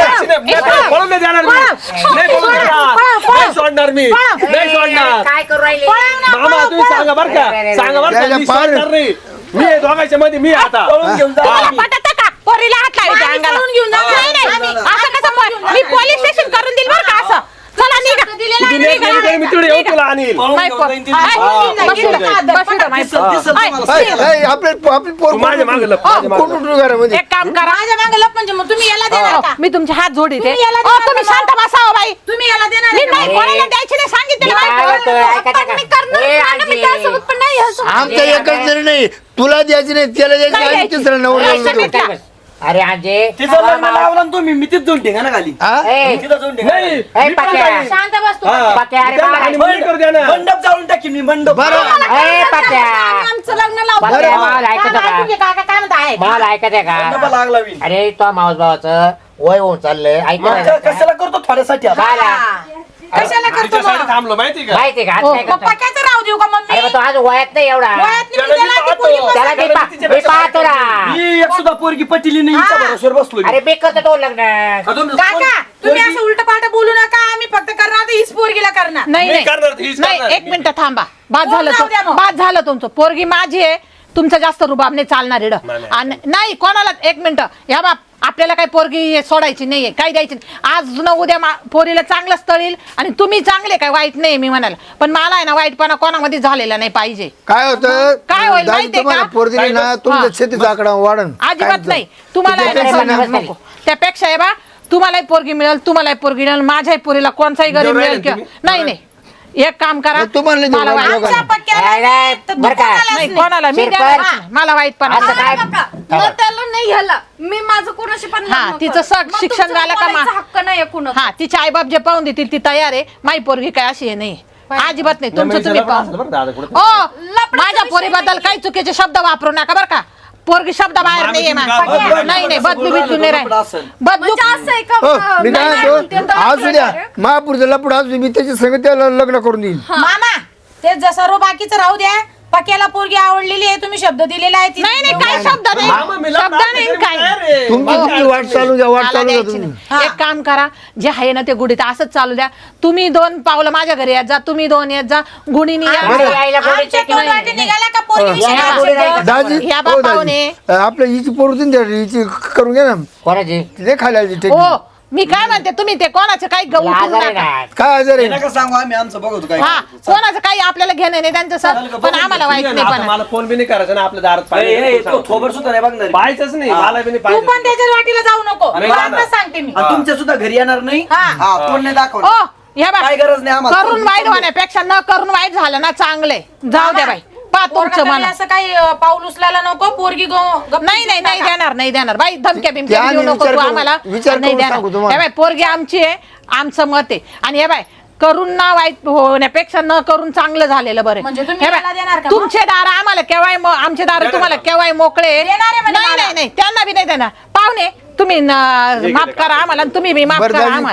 [SPEAKER 5] पळून नाही देणार मी नाही पळून देणार. नाही सोडणार मी नाही सोडणार
[SPEAKER 7] काय करू राहिले
[SPEAKER 5] मामा तुम्ही सांगा बर का सांगा बर का
[SPEAKER 2] त्याच्या
[SPEAKER 5] मी
[SPEAKER 2] पार-
[SPEAKER 5] सोडणार नाही मी आहे दोघांच्या मध्ये मी आता
[SPEAKER 8] पळून घेऊन जा
[SPEAKER 1] तुम्हाला
[SPEAKER 8] मी.
[SPEAKER 1] पटतं का? पोरीला हात लावायचे
[SPEAKER 6] आम्ही
[SPEAKER 1] अंगाला.
[SPEAKER 6] करून घेऊन जाऊ.
[SPEAKER 1] नाही, नाही.
[SPEAKER 6] आम्ही-
[SPEAKER 1] असं कसं मी पोलीस स्टेशन करून देईल बरं का असं. चला निघा.
[SPEAKER 5] तू नाही केली तरी मी तिकडे येऊ तुला आणील
[SPEAKER 8] पळून
[SPEAKER 1] माय
[SPEAKER 8] घेऊन
[SPEAKER 1] पोर.
[SPEAKER 8] जाईन ती.
[SPEAKER 1] हाय,
[SPEAKER 8] हा.
[SPEAKER 1] बस इथं, बस इथं, माय पोर.
[SPEAKER 8] दिसल
[SPEAKER 1] हाय,
[SPEAKER 8] तुम्हाला.
[SPEAKER 2] आपली पोर
[SPEAKER 5] तू माझ्या मागे लप माझ्या मागे लप.
[SPEAKER 2] घरामध्ये
[SPEAKER 1] एक काम करा.
[SPEAKER 6] माझ्या मागे लप म्हणजे मग तुम्ही याला देणार का?
[SPEAKER 1] मी तुमचे हात जोडीते.
[SPEAKER 6] तुम्ही याला
[SPEAKER 1] ओ,
[SPEAKER 6] देणार
[SPEAKER 1] तुम्ही
[SPEAKER 6] का?
[SPEAKER 1] शांत बसावं बाई.
[SPEAKER 6] तुम्ही याला देणार
[SPEAKER 1] मी
[SPEAKER 6] आहे का?
[SPEAKER 1] नाही कोणाला द्यायची नाही सांगितलं
[SPEAKER 7] काय
[SPEAKER 1] बाई.
[SPEAKER 7] म्हणतोय? ऐका
[SPEAKER 3] पण मी करणार
[SPEAKER 7] ए,
[SPEAKER 3] नाही ना, मी
[SPEAKER 7] आजी.
[SPEAKER 3] त्यासोबत पण नाही ह्यासोबत.
[SPEAKER 2] आमचं एकच जरी नाही तुला द्यायची नाही त्याला द्यायची
[SPEAKER 1] नाही
[SPEAKER 2] आणि
[SPEAKER 1] द्यायची.
[SPEAKER 2] तिसरा नवरा
[SPEAKER 1] नाही,
[SPEAKER 2] देतो.
[SPEAKER 1] नाही.
[SPEAKER 7] अरे आजे
[SPEAKER 8] तिचं लग्न लावलं ना तुम्ही मी तिथं जाऊन ठेगा ना खाली
[SPEAKER 2] हा?
[SPEAKER 7] ए,
[SPEAKER 8] तिथं जाऊन ठेगा
[SPEAKER 5] नाही
[SPEAKER 7] ए,
[SPEAKER 5] मी पण
[SPEAKER 7] पाक्या.
[SPEAKER 5] जाईन.
[SPEAKER 6] शांत बस तू.
[SPEAKER 5] हा.
[SPEAKER 7] पाक्या, अरे
[SPEAKER 5] त्यांना
[SPEAKER 7] बाळा.
[SPEAKER 5] आणि मुली करू द्या ना.
[SPEAKER 8] मंडप जाऊन टाकीन मी मंडप
[SPEAKER 2] बरं
[SPEAKER 7] ए, पाक्या.
[SPEAKER 3] आमचं लग्न लावतो.
[SPEAKER 7] पाक्या, मला ऐकत
[SPEAKER 6] काय
[SPEAKER 7] का
[SPEAKER 6] ऐकू घे, काका काय म्हणता आहे?
[SPEAKER 7] मला ऐकत आहे
[SPEAKER 8] मंडप
[SPEAKER 7] का
[SPEAKER 8] लागला मी
[SPEAKER 7] अरे तो मावस भावाचं वय होऊन चाललंय ऐकत
[SPEAKER 8] मग
[SPEAKER 7] आहे का?
[SPEAKER 8] कशाला करतो थोड्यासाठी आता?
[SPEAKER 7] काय
[SPEAKER 6] कशाला करतो
[SPEAKER 5] तिच्यासाठी
[SPEAKER 6] मग?
[SPEAKER 5] थांबलो माहिती का
[SPEAKER 7] माहिती का आज
[SPEAKER 1] हो,
[SPEAKER 7] काय करतो?
[SPEAKER 6] पक्याचं राहू देऊ का मम्मी?
[SPEAKER 7] अरे मग तो आज वयात नाही एवढा
[SPEAKER 6] वयात नाही,
[SPEAKER 5] त्याला
[SPEAKER 6] त्याला
[SPEAKER 5] मी
[SPEAKER 6] ती पोरगी
[SPEAKER 5] पाहतो.
[SPEAKER 7] त्याला मी पाहतो ना
[SPEAKER 8] मी एक सुद्धा पोरगी पटिली नाही हिच्या भरोश्यावर बसलो मी.
[SPEAKER 7] अरे मी करतो तो लग्न
[SPEAKER 8] का तुम्ही
[SPEAKER 6] काका तुम्ही
[SPEAKER 8] पोरगी-
[SPEAKER 6] असं उलट पालट बोलू नका. आम्ही फक्त करणार तर हीच पोरगीला करणार.
[SPEAKER 1] नाही
[SPEAKER 5] मी
[SPEAKER 1] नाही
[SPEAKER 5] करणार, हीच
[SPEAKER 1] नाही
[SPEAKER 5] करणार.
[SPEAKER 1] एक मिनिट थांबा. बाद
[SPEAKER 6] कोण
[SPEAKER 1] झालं
[SPEAKER 6] जाऊ द्या मग?
[SPEAKER 1] बाद झालं तुमचं. पोरगी माझी आहे, तुमचं जास्त रुबाब नाही चालणार इकडं.
[SPEAKER 5] नाही, नाही.
[SPEAKER 1] आणि नाही कोणाला एक मिनिट या बाप आपल्याला काही पोरगी सोडायची नाहीये, काही द्यायची नाही. आज न उद्या पोरीला चांगलं स्थळील आणि तुम्ही चांगले काय वाईट नाही मी म्हणाल, पण मला आहे ना वाईटपणा कोणामध्ये झालेला नाही पाहिजे.
[SPEAKER 2] काय होतं
[SPEAKER 1] काय होईल
[SPEAKER 2] दादी
[SPEAKER 1] माहितीये
[SPEAKER 2] तुम्हाला
[SPEAKER 1] का?
[SPEAKER 2] पोर दिली ना
[SPEAKER 1] हा.
[SPEAKER 2] तुमच्या शेतीचा आकडा वाढन
[SPEAKER 1] अजिबात नाही. तुम्हाला आहे ना
[SPEAKER 7] त्याच्यापेक्षा
[SPEAKER 1] सगळं
[SPEAKER 7] नाही.
[SPEAKER 1] नको. त्यापेक्षा आहे बा तुम्हालाही पोरगी मिळेल, तुम्हालाही पोरगी मिळेल, माझ्याही पोरीला कोणताही गरीब
[SPEAKER 5] जेवढं
[SPEAKER 1] मिळेल
[SPEAKER 5] राहिलं
[SPEAKER 1] किंवा
[SPEAKER 5] तुम्ही?
[SPEAKER 1] नाही नाही एक काम करा.
[SPEAKER 2] मग तुम्हाला नाही
[SPEAKER 1] मला
[SPEAKER 2] देणार
[SPEAKER 1] वाईट-
[SPEAKER 2] दोघांना.
[SPEAKER 6] आमच्या पक्क्याला
[SPEAKER 7] नाही,
[SPEAKER 6] नाही, तर
[SPEAKER 7] बरं का?
[SPEAKER 6] दुकानालाच
[SPEAKER 1] नाही
[SPEAKER 6] नाही.
[SPEAKER 1] कोणाला मी
[SPEAKER 7] शिरपत.
[SPEAKER 1] देणारच नाही. मला वाईटपणा
[SPEAKER 7] असं काय
[SPEAKER 3] बघा, मग त्याला नाही ह्याला मी माझं कोणाशी पण
[SPEAKER 1] हा,
[SPEAKER 3] लग्न
[SPEAKER 1] तिचं
[SPEAKER 3] करेन.
[SPEAKER 1] सग-
[SPEAKER 3] मग
[SPEAKER 1] शिक्षण
[SPEAKER 3] तुमचं
[SPEAKER 1] झालं का मा-
[SPEAKER 3] बोलायचा हक्क नाही कुणाचा.
[SPEAKER 1] हा तिचे आईबाप जे पाहून देतील ती तयार आहे. माई पोरगी काय अशी आहे नाही अजिबात नाही. तुमचं तुम्ही पाहून
[SPEAKER 5] बरं दादा कुठं
[SPEAKER 1] ओ
[SPEAKER 3] लफड्याचा
[SPEAKER 1] माझ्या
[SPEAKER 3] विषय
[SPEAKER 1] पोरीबद्दल काही चुकीचे शब्द वापरू नका बरं का. पोरगी शब्द बाहेर
[SPEAKER 5] मामी,
[SPEAKER 1] नाहीये
[SPEAKER 5] तुम्ही
[SPEAKER 1] मा-
[SPEAKER 5] काय बोलता?
[SPEAKER 1] नाही नाही बदलू बिदलू नाही
[SPEAKER 8] लफडं
[SPEAKER 1] राहील.
[SPEAKER 8] असेल.
[SPEAKER 1] बदलू
[SPEAKER 3] म्हणजे असं आहे का
[SPEAKER 2] हो, मी काय
[SPEAKER 3] नाही,
[SPEAKER 2] म्हणतो
[SPEAKER 3] ते तर
[SPEAKER 2] असू द्या
[SPEAKER 3] आहे.
[SPEAKER 2] महापुरुष लपड असू मी त्याच्या संग त्याला लग्न करून देईन
[SPEAKER 6] मामा ते सर्व बाकीचं राहू द्या. पक्याला पोरगी आवडलेली आहे, तुम्ही शब्द दिलेला आहे ती-
[SPEAKER 1] नाही नाही काही शब्द
[SPEAKER 5] मामा, मी
[SPEAKER 1] नाही
[SPEAKER 5] लग्न
[SPEAKER 1] शब्द
[SPEAKER 5] आता
[SPEAKER 1] नाही
[SPEAKER 5] करीन,
[SPEAKER 1] काय
[SPEAKER 5] तयार आहे.
[SPEAKER 2] तुमची
[SPEAKER 1] हो.
[SPEAKER 2] तुमची वाट चालू द्या वाट
[SPEAKER 1] मला
[SPEAKER 2] चालू द्या
[SPEAKER 1] द्यायची
[SPEAKER 2] तुम्ही
[SPEAKER 1] नाही. एक काम करा जे आहे ना ते गुढीत असंच चालू द्या. तुम्ही 2 पावलं माझ्या घरी येत जा, तुम्ही 2 येत जा. गुढीनी या.
[SPEAKER 7] बरं, यायला
[SPEAKER 6] आमच्या
[SPEAKER 7] बोलायचं की
[SPEAKER 6] तोंड
[SPEAKER 7] नाही?
[SPEAKER 6] वाटे निघाला का पोरगी विषयी
[SPEAKER 7] या,
[SPEAKER 6] काय
[SPEAKER 7] बोलू
[SPEAKER 6] शब्द?
[SPEAKER 7] राहिलं.
[SPEAKER 2] दाजी
[SPEAKER 1] ह्या
[SPEAKER 2] हो
[SPEAKER 1] बापावने.
[SPEAKER 2] दाजी आपल्या हिची पोरून द्या हिची करून घ्या ना
[SPEAKER 7] कोणाची
[SPEAKER 2] ते खायला टेक
[SPEAKER 1] हो मी काय म्हणते तुम्ही ते कोणाचं काही गहू
[SPEAKER 7] तुला
[SPEAKER 1] ठेवू
[SPEAKER 7] आजार आहे
[SPEAKER 1] नका.
[SPEAKER 7] ना
[SPEAKER 2] काय आजार
[SPEAKER 8] हे
[SPEAKER 2] आहे
[SPEAKER 8] नका सांगू आम्ही आमचं बघतो काय
[SPEAKER 1] हा कोणाचं काही आपल्याला घेणं नाही त्यांचं सर पण आम्हाला वाईट नाही
[SPEAKER 5] आता
[SPEAKER 1] पण
[SPEAKER 5] मला फोन बी नाही करायचं ना आपल्या दारात
[SPEAKER 8] ए, ए, तो
[SPEAKER 5] पाहिजे
[SPEAKER 8] थोबड सुद्धा नाही बघणार
[SPEAKER 5] पाहायचंच नाही मला बी नाही
[SPEAKER 6] तू पण
[SPEAKER 5] पाहिजे
[SPEAKER 6] त्याच्याच वाटीला जाऊ नको.
[SPEAKER 5] नाही,
[SPEAKER 6] तुला
[SPEAKER 5] नाही.
[SPEAKER 6] आता सांगते मी.
[SPEAKER 8] आणि तुमच्या सुद्धा घरी येणार नाही
[SPEAKER 6] हा.
[SPEAKER 8] हा तोंड नाही
[SPEAKER 1] ओ
[SPEAKER 8] दाखवणार
[SPEAKER 1] ह्या
[SPEAKER 8] काय
[SPEAKER 1] बाय
[SPEAKER 8] गरज नाही आम्हाला
[SPEAKER 1] करून वाईट होण्यापेक्षा न करून वाईट झालं ना चांगले जाऊ द्या बाई पा
[SPEAKER 6] पोरगा
[SPEAKER 1] तुमचं
[SPEAKER 6] तरी
[SPEAKER 1] मन
[SPEAKER 6] असं काही पाऊल उचलायला नको. पोरगी गप्प
[SPEAKER 1] नाही नाही नाही देणार नाही देणार बाई धमक्या बिमक्या
[SPEAKER 2] त्या
[SPEAKER 1] देऊ
[SPEAKER 2] आम्ही
[SPEAKER 1] नको
[SPEAKER 2] विचार
[SPEAKER 1] तू
[SPEAKER 2] करू-
[SPEAKER 1] आम्हाला
[SPEAKER 2] विचार
[SPEAKER 1] नाही
[SPEAKER 2] करून सांगू
[SPEAKER 1] देणार
[SPEAKER 2] तुम्हाला.
[SPEAKER 1] हे बाय पोरगी आमची आहे आमचं मत आहे आणि हे बाय करून ना वाईट होण्यापेक्षा न करून चांगलं झालेलं बरं
[SPEAKER 6] म्हणजे तुम्ही
[SPEAKER 1] हे बाय,
[SPEAKER 6] मला देणार का मग?
[SPEAKER 1] तुमचे दार आम्हाला केव्हाय आमचे दार तुम्हाला केव्हाय मोकळे
[SPEAKER 6] देणार आहे म्हणजे
[SPEAKER 1] नाही नाही नाही त्यांना बी नाही देणार पाहुणे तुम्ही माफ करा आम्हाला आणि तुम्ही बी माफ
[SPEAKER 2] बरं
[SPEAKER 1] करा
[SPEAKER 2] दाजी,
[SPEAKER 1] आम्हाला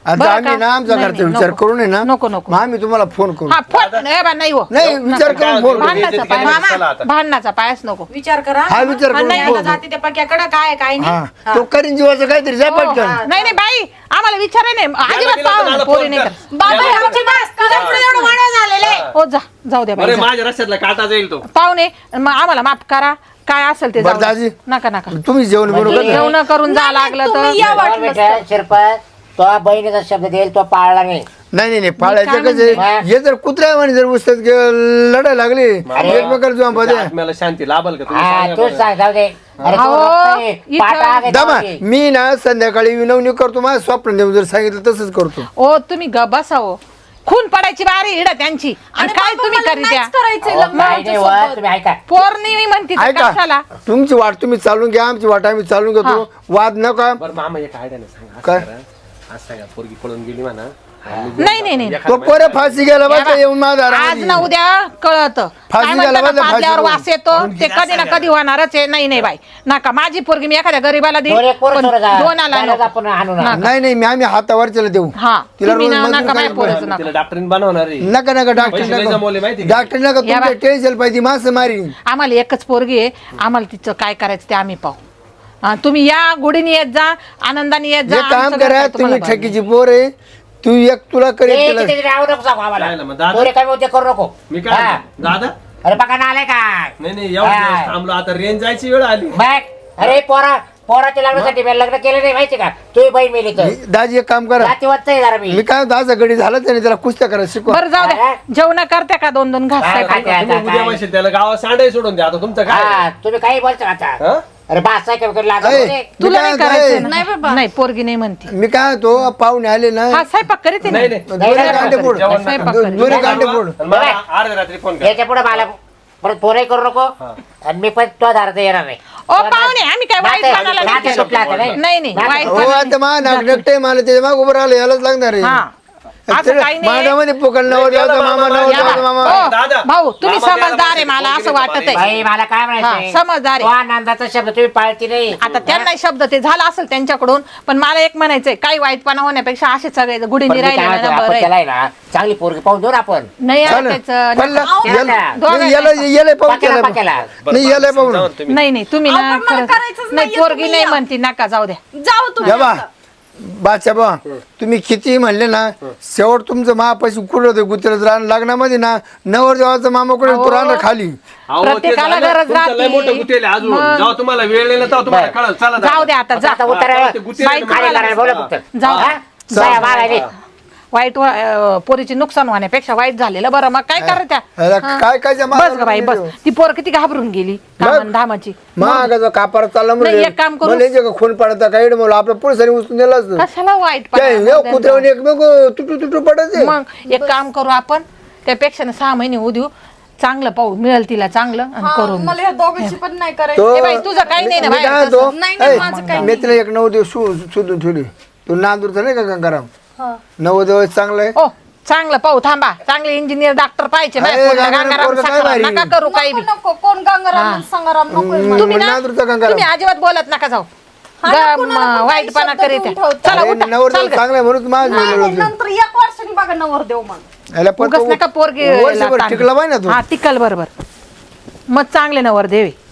[SPEAKER 2] आता
[SPEAKER 1] बरं
[SPEAKER 2] आम्ही
[SPEAKER 1] का?
[SPEAKER 2] ना आमचा
[SPEAKER 1] नाही,
[SPEAKER 2] घरचा
[SPEAKER 1] नाही,
[SPEAKER 2] विचार
[SPEAKER 1] नको.
[SPEAKER 2] करू नये ना
[SPEAKER 1] नको, नको.
[SPEAKER 2] मग आम्ही तुम्हाला फोन करू
[SPEAKER 1] हा फोन नाही बा, नाही हो
[SPEAKER 2] नाही विचार करून फोन करू
[SPEAKER 1] भांडणाचा
[SPEAKER 5] चला
[SPEAKER 1] पाय
[SPEAKER 5] आता.
[SPEAKER 1] भांडणाचा पायच नको
[SPEAKER 6] विचार करा
[SPEAKER 2] हा विचार
[SPEAKER 1] हा,
[SPEAKER 2] करून
[SPEAKER 1] नाही,
[SPEAKER 2] फोन
[SPEAKER 6] आता जाते त्या पक्याकडे काय आहे, काय नाही
[SPEAKER 2] हा तो करीन जीवाचं काहीतरी जा
[SPEAKER 1] हो,
[SPEAKER 2] पटकन
[SPEAKER 1] नाही नाही बाई आम्हाला विचार नाही अजिबात
[SPEAKER 5] दिलं तर
[SPEAKER 1] पाहू
[SPEAKER 5] मला
[SPEAKER 1] पोरी
[SPEAKER 5] फोन
[SPEAKER 1] नाही
[SPEAKER 5] कर.
[SPEAKER 1] कर
[SPEAKER 6] बाबा हे आमची बस तुझ्या पुढे एवढं वाढव झालेलं आहे
[SPEAKER 1] हो जाऊ द्या बाई
[SPEAKER 5] बरं
[SPEAKER 1] जा.
[SPEAKER 5] माझ्या रस्त्यातला काटा जाईल तो
[SPEAKER 1] पाहुणे मग आम्हाला माफ करा काय असेल ते
[SPEAKER 2] बरं,
[SPEAKER 1] जाऊ द्या.
[SPEAKER 2] दाजी.
[SPEAKER 1] नका नका
[SPEAKER 2] तुम्ही जेवण बिवण
[SPEAKER 7] म्हणजे-
[SPEAKER 2] करा.
[SPEAKER 1] जेवण करून जा लागलं तर
[SPEAKER 3] तुम्ही या वाटलं तर.
[SPEAKER 7] शिरपत तो बहिणीचा शब्द देईल तो पाळला नाही
[SPEAKER 2] नाही पाळायचं
[SPEAKER 1] काय
[SPEAKER 2] कसं
[SPEAKER 7] म्हणते?
[SPEAKER 2] आहे, हे जर कुत्र्या म्हणे जर उस्तात लढायला लागले एकमेकाला जुआ मध्ये
[SPEAKER 5] आत्म्याला शांती लाभल का तुम्ही
[SPEAKER 7] हा
[SPEAKER 5] सांगा
[SPEAKER 7] तूच
[SPEAKER 5] बरं.
[SPEAKER 7] सांग जाऊ दे अरे
[SPEAKER 1] अहो,
[SPEAKER 7] तो रक्त आहे,
[SPEAKER 1] इथं-
[SPEAKER 7] पाटा आहे
[SPEAKER 2] दामा
[SPEAKER 7] गावाची.
[SPEAKER 2] मी ना संध्याकाळी विनवणी करतो माझं स्वप्न देऊन जर सांगितलं तसंच करतो
[SPEAKER 1] ओ तुम्ही ग बसावं खून पडायची बारी इड त्यांची आणि काय
[SPEAKER 3] बाबा,
[SPEAKER 1] तुम्ही
[SPEAKER 3] मला
[SPEAKER 1] करीत्या
[SPEAKER 3] नाहीच करायचंय
[SPEAKER 7] अहो,
[SPEAKER 3] लग्न
[SPEAKER 7] काही नाही
[SPEAKER 3] आमच्यासोबत.
[SPEAKER 7] होत, तुम्ही ऐका
[SPEAKER 1] पौर्णिमी म्हणते तर
[SPEAKER 2] ऐका
[SPEAKER 1] कशाला
[SPEAKER 2] तुमची वाट तुम्ही चालून घ्या आमची वाट आम्ही चालून घेतो वाद नका
[SPEAKER 5] बरं मामा एक आयडिया नाही सांगा
[SPEAKER 2] काय?
[SPEAKER 5] असं करा. आज सांगा पोरगी पळून गेली म्हणा
[SPEAKER 1] नाही नाही नाही
[SPEAKER 2] तो पोरे फाशी गेला बस येऊन माझा
[SPEAKER 1] आज ना उद्या कळत
[SPEAKER 2] फाशी घ्यायला पाहिजे, फाशी
[SPEAKER 1] फासल्यावर
[SPEAKER 2] घेऊन.
[SPEAKER 1] वास येतो ते कधी ना कधी होणारच आहे नाही नाही बाई नका माझी पोरगी मी एखाद्या गरीबाला
[SPEAKER 7] दोन एक
[SPEAKER 1] देईन
[SPEAKER 7] पोरं
[SPEAKER 1] पण
[SPEAKER 7] सोडा जा.
[SPEAKER 1] दोनाला
[SPEAKER 7] त्यालाच
[SPEAKER 1] नको.
[SPEAKER 7] आपण आणू ना
[SPEAKER 1] नका.
[SPEAKER 2] नाही मी आम्ही हातावरच्याला देऊ
[SPEAKER 1] हा
[SPEAKER 2] तिला
[SPEAKER 1] तुम्ही
[SPEAKER 2] रोज
[SPEAKER 1] ना-
[SPEAKER 2] मजूर
[SPEAKER 1] नका
[SPEAKER 2] काय
[SPEAKER 1] माझ्या पोरीचं
[SPEAKER 5] तिला
[SPEAKER 1] नका
[SPEAKER 5] डॉक्टरीन बनवणार आहे.
[SPEAKER 2] नका डॉक्टर
[SPEAKER 5] पैसे लय जमवले माहिती
[SPEAKER 2] नका
[SPEAKER 5] का?
[SPEAKER 2] डॉक्टर नका
[SPEAKER 1] या
[SPEAKER 2] तुमच्या
[SPEAKER 1] बा.
[SPEAKER 2] टेन्शन पाहिजे मास मारी
[SPEAKER 1] आम्हाला एकच पोरगी आहे आम्हाला तिचं काय करायचं ते आम्ही पाहू तुम्ही या गुढीने येत जा आनंदाने येत जा
[SPEAKER 2] जे काम
[SPEAKER 1] आमचं घर
[SPEAKER 2] करा
[SPEAKER 1] काय
[SPEAKER 2] तुम्ही
[SPEAKER 1] तुम्हाला
[SPEAKER 2] ठकीची पोर आहे तू एक तुला करेल
[SPEAKER 7] ए,
[SPEAKER 2] तिला
[SPEAKER 7] तिथे तिथे राहू नको सांगू आम्हाला
[SPEAKER 5] काय ना मग दादा?
[SPEAKER 7] पोरे काय होते करू नको
[SPEAKER 5] मी काय
[SPEAKER 7] हा.
[SPEAKER 5] म्हणतो? दादा
[SPEAKER 7] अरे बघा ना आलाय काय
[SPEAKER 5] नाही एवढं
[SPEAKER 7] हा.
[SPEAKER 5] दिवस थांबलो आता रेंज जायची वेळ आली
[SPEAKER 7] बघ अरे पोराच्या लग्नासाठी मी लग्न केलं नाही माहिती का तू बहीण मेली तर
[SPEAKER 2] दाजी एक काम करा
[SPEAKER 7] जातीवंत आहे जरा
[SPEAKER 2] मी
[SPEAKER 7] मी
[SPEAKER 2] काय दाजा गडी झालं त्याने त्याला कुस्त्या करा शिकवा
[SPEAKER 1] बरं जाऊ द्या जेवण करते का दोन दोन घास
[SPEAKER 7] काय
[SPEAKER 1] स्वयंपाक?
[SPEAKER 7] खाते
[SPEAKER 5] तुम्ही
[SPEAKER 7] आता,
[SPEAKER 5] उद्या
[SPEAKER 7] काय?
[SPEAKER 5] म्हणशील त्याला गावात सांडाय सोडून द्या आता तुमचं काय
[SPEAKER 7] हा तुम्ही काही बोलता आता
[SPEAKER 5] हा?
[SPEAKER 7] अरे बास आहे का लागत
[SPEAKER 2] ऐ,
[SPEAKER 7] होते.
[SPEAKER 1] तुला
[SPEAKER 2] मी
[SPEAKER 1] नाही
[SPEAKER 2] काय
[SPEAKER 1] करायचं
[SPEAKER 2] म्हणतो,
[SPEAKER 1] ना?
[SPEAKER 3] नाही बाबा.
[SPEAKER 1] नाही पोरगी नाही म्हणती
[SPEAKER 2] मी काय तो पाहुणे आले ना
[SPEAKER 1] हा स्वयंपाक करीत
[SPEAKER 5] नाही नाही
[SPEAKER 2] दोरे कांदे फोड
[SPEAKER 5] जेवण नका.
[SPEAKER 1] स्वयंपाक करीत.
[SPEAKER 2] दोरे कांदे फोड
[SPEAKER 5] आणि मला अर्ध्या रात्री फोन कर
[SPEAKER 7] याच्या पुढे मला परत पोरही करू नको आणि मी पण तो दारात येणार नाही
[SPEAKER 1] ओ पाहुणे आम्ही काय वाईट
[SPEAKER 7] नाते-
[SPEAKER 1] पानाला
[SPEAKER 7] नाते
[SPEAKER 1] नाही
[SPEAKER 7] सुटलं आता,
[SPEAKER 1] केलं. नाही नाही
[SPEAKER 7] नाते-
[SPEAKER 1] वाईट
[SPEAKER 2] हो
[SPEAKER 1] पानाला
[SPEAKER 2] आता मा नागरिकटे मला त्याच्या माग उभं राहिलं यालाच लागणार आहे
[SPEAKER 1] हा असं काही नाही
[SPEAKER 2] मांडामध्ये पोकळ नवर जायचं मामा नवर
[SPEAKER 1] या
[SPEAKER 2] जायचं
[SPEAKER 1] बा.
[SPEAKER 2] मामा
[SPEAKER 1] ओ,
[SPEAKER 5] दादा.
[SPEAKER 1] भाऊ तुम्ही
[SPEAKER 5] मामा द्यायला
[SPEAKER 1] समजदार आहे
[SPEAKER 5] पाहिजे.
[SPEAKER 1] मला असं
[SPEAKER 5] पोरगी
[SPEAKER 1] वाटत आहे
[SPEAKER 7] बाई मला काय
[SPEAKER 1] हा,
[SPEAKER 7] म्हणायचं
[SPEAKER 1] समजदार आहे.
[SPEAKER 7] तो आनंदाचा शब्द तुम्ही पाळती नाही
[SPEAKER 1] आता त्यांना शब्द ते झाला असेल त्यांच्याकडून पण मला एक म्हणायचंय काही वाईटपणा होण्यापेक्षा असे सगळे
[SPEAKER 7] पण
[SPEAKER 1] गुढीने
[SPEAKER 7] मी काय
[SPEAKER 1] राहिले
[SPEAKER 7] म्हणतो,
[SPEAKER 1] ना
[SPEAKER 7] आपण
[SPEAKER 1] बरं
[SPEAKER 7] त्याला आहे ना चांगली पोरगी पाहून देऊ ना आपण
[SPEAKER 1] नाही
[SPEAKER 2] चालेल.
[SPEAKER 1] ऐकायचं
[SPEAKER 2] पल्ला-
[SPEAKER 1] नका.
[SPEAKER 7] याला-
[SPEAKER 2] नाही, याला पाहून
[SPEAKER 7] पाक्याला-
[SPEAKER 2] त्याला
[SPEAKER 7] पाक्याला.
[SPEAKER 2] नाही याला पाहून
[SPEAKER 5] समजावून तुम्ही.
[SPEAKER 1] नाही नाही तुम्ही
[SPEAKER 3] अहो,
[SPEAKER 1] ना
[SPEAKER 3] पण मला
[SPEAKER 1] खरंच-
[SPEAKER 3] करायचंच
[SPEAKER 1] नाही
[SPEAKER 3] नाहीये,
[SPEAKER 1] पोरगी
[SPEAKER 3] तुम्ही
[SPEAKER 1] नाही
[SPEAKER 3] या.
[SPEAKER 1] म्हणती नका जाऊ द्या
[SPEAKER 3] जाऊ तुम्ही
[SPEAKER 2] या बा
[SPEAKER 3] आता.
[SPEAKER 2] बादशा बा तुम्ही किती म्हणले ना शेवट तुमचं महापाशी कुठं होते गुजरात राहणं लग्नामध्ये ना नवर देवाचा मामा कुठे तो राहणं खाली
[SPEAKER 5] अहो, ते
[SPEAKER 1] प्रत्येकाला
[SPEAKER 5] झालं.
[SPEAKER 1] गरज
[SPEAKER 5] तुमचं लय
[SPEAKER 1] राहते.
[SPEAKER 5] मोठं गुतेल आहे अजून
[SPEAKER 1] मग.
[SPEAKER 5] जेव्हा तुम्हाला वेळ नाही ना तेव्हा तुम्हाला
[SPEAKER 7] बरं.
[SPEAKER 5] कळलं चला
[SPEAKER 1] जाऊ द्या आता जा
[SPEAKER 7] आता उतर
[SPEAKER 5] ते गुतेल
[SPEAKER 1] बाई
[SPEAKER 5] तुम्हाला.
[SPEAKER 7] काय करायला बोला फक्त
[SPEAKER 1] जाऊ.
[SPEAKER 7] हा? बाया मारायली.
[SPEAKER 1] वाईट पोरीचे नुकसान होण्यापेक्षा वाईट झालेलं बरं मग काय करायचं
[SPEAKER 2] ह्याला काय काय जमा
[SPEAKER 1] बस ग बाई बस ती पोर किती घाबरून गेली कामन धामाची
[SPEAKER 2] महागाचा कापार चालला
[SPEAKER 1] नाही, एक काम करू.
[SPEAKER 2] म्हणजे खून पडता काही मला आपल्या पोलिसांनी उचलून दिला असतं
[SPEAKER 1] कशाला वाईट
[SPEAKER 2] काय
[SPEAKER 1] पडा?
[SPEAKER 2] कुत्र्यावर एकमेक तुटू तुटू पडायचे
[SPEAKER 1] मग एक काम करू आपण त्यापेक्षा ना 6 महिने होऊ देऊ चांगलं पाहू मिळेल तिला चांगलं आणि
[SPEAKER 3] हा,
[SPEAKER 1] करून
[SPEAKER 3] मला ह्या दोघांची पण नाही
[SPEAKER 2] तो
[SPEAKER 3] करायचं
[SPEAKER 1] ए बाई, तुझं काही नाही ना
[SPEAKER 2] मी
[SPEAKER 1] बाहेर
[SPEAKER 2] काय
[SPEAKER 1] तसं.
[SPEAKER 2] म्हणतो,
[SPEAKER 3] नाही, नाही,
[SPEAKER 2] ऐ,
[SPEAKER 3] माझं काही
[SPEAKER 2] मी तिला एक 9 दिवस शोधून ठेवली तू नांदूरचा नाही का गंगाराम
[SPEAKER 3] हा.
[SPEAKER 2] 9 दिवस चांगलं आहे
[SPEAKER 1] ओ चांगलं पाहू थांबा चांगले इंजिनियर डॉक्टर पाहिजे
[SPEAKER 2] अरे,
[SPEAKER 1] माझ्या पोरीला
[SPEAKER 2] गंगाराम
[SPEAKER 1] गंगाराम
[SPEAKER 2] पोरगं काय
[SPEAKER 1] साखराम
[SPEAKER 2] भारी.
[SPEAKER 1] नका करू काही बी
[SPEAKER 3] नको नको कोण गंगाराम संगाराम नको
[SPEAKER 1] तुम्ही ना
[SPEAKER 2] नांदूरचा गंगाराम
[SPEAKER 1] तुम्ही अजिबात बोलत नका जाऊ
[SPEAKER 3] हा ना, कुणाला पण काही
[SPEAKER 1] वाईटपणा
[SPEAKER 3] शब्द
[SPEAKER 1] करीत
[SPEAKER 3] देऊन
[SPEAKER 1] आहे.
[SPEAKER 3] ठेवतो.
[SPEAKER 1] चला
[SPEAKER 2] अरे,
[SPEAKER 1] उठा
[SPEAKER 2] नवरदेव
[SPEAKER 1] चल ग.
[SPEAKER 2] चांगला आहे म्हणून माझं
[SPEAKER 3] नाही,
[SPEAKER 2] बोललो
[SPEAKER 3] नाही, नंतर 1 वर्षांनी बघा नवर देव मग
[SPEAKER 2] याला पण
[SPEAKER 1] उगाच
[SPEAKER 2] तो
[SPEAKER 1] नका पोरगी
[SPEAKER 2] वर्षभर टिकला पाहिजे ना
[SPEAKER 1] हा
[SPEAKER 2] तू
[SPEAKER 1] टिकल बरोबर मग चांगले नवर देवे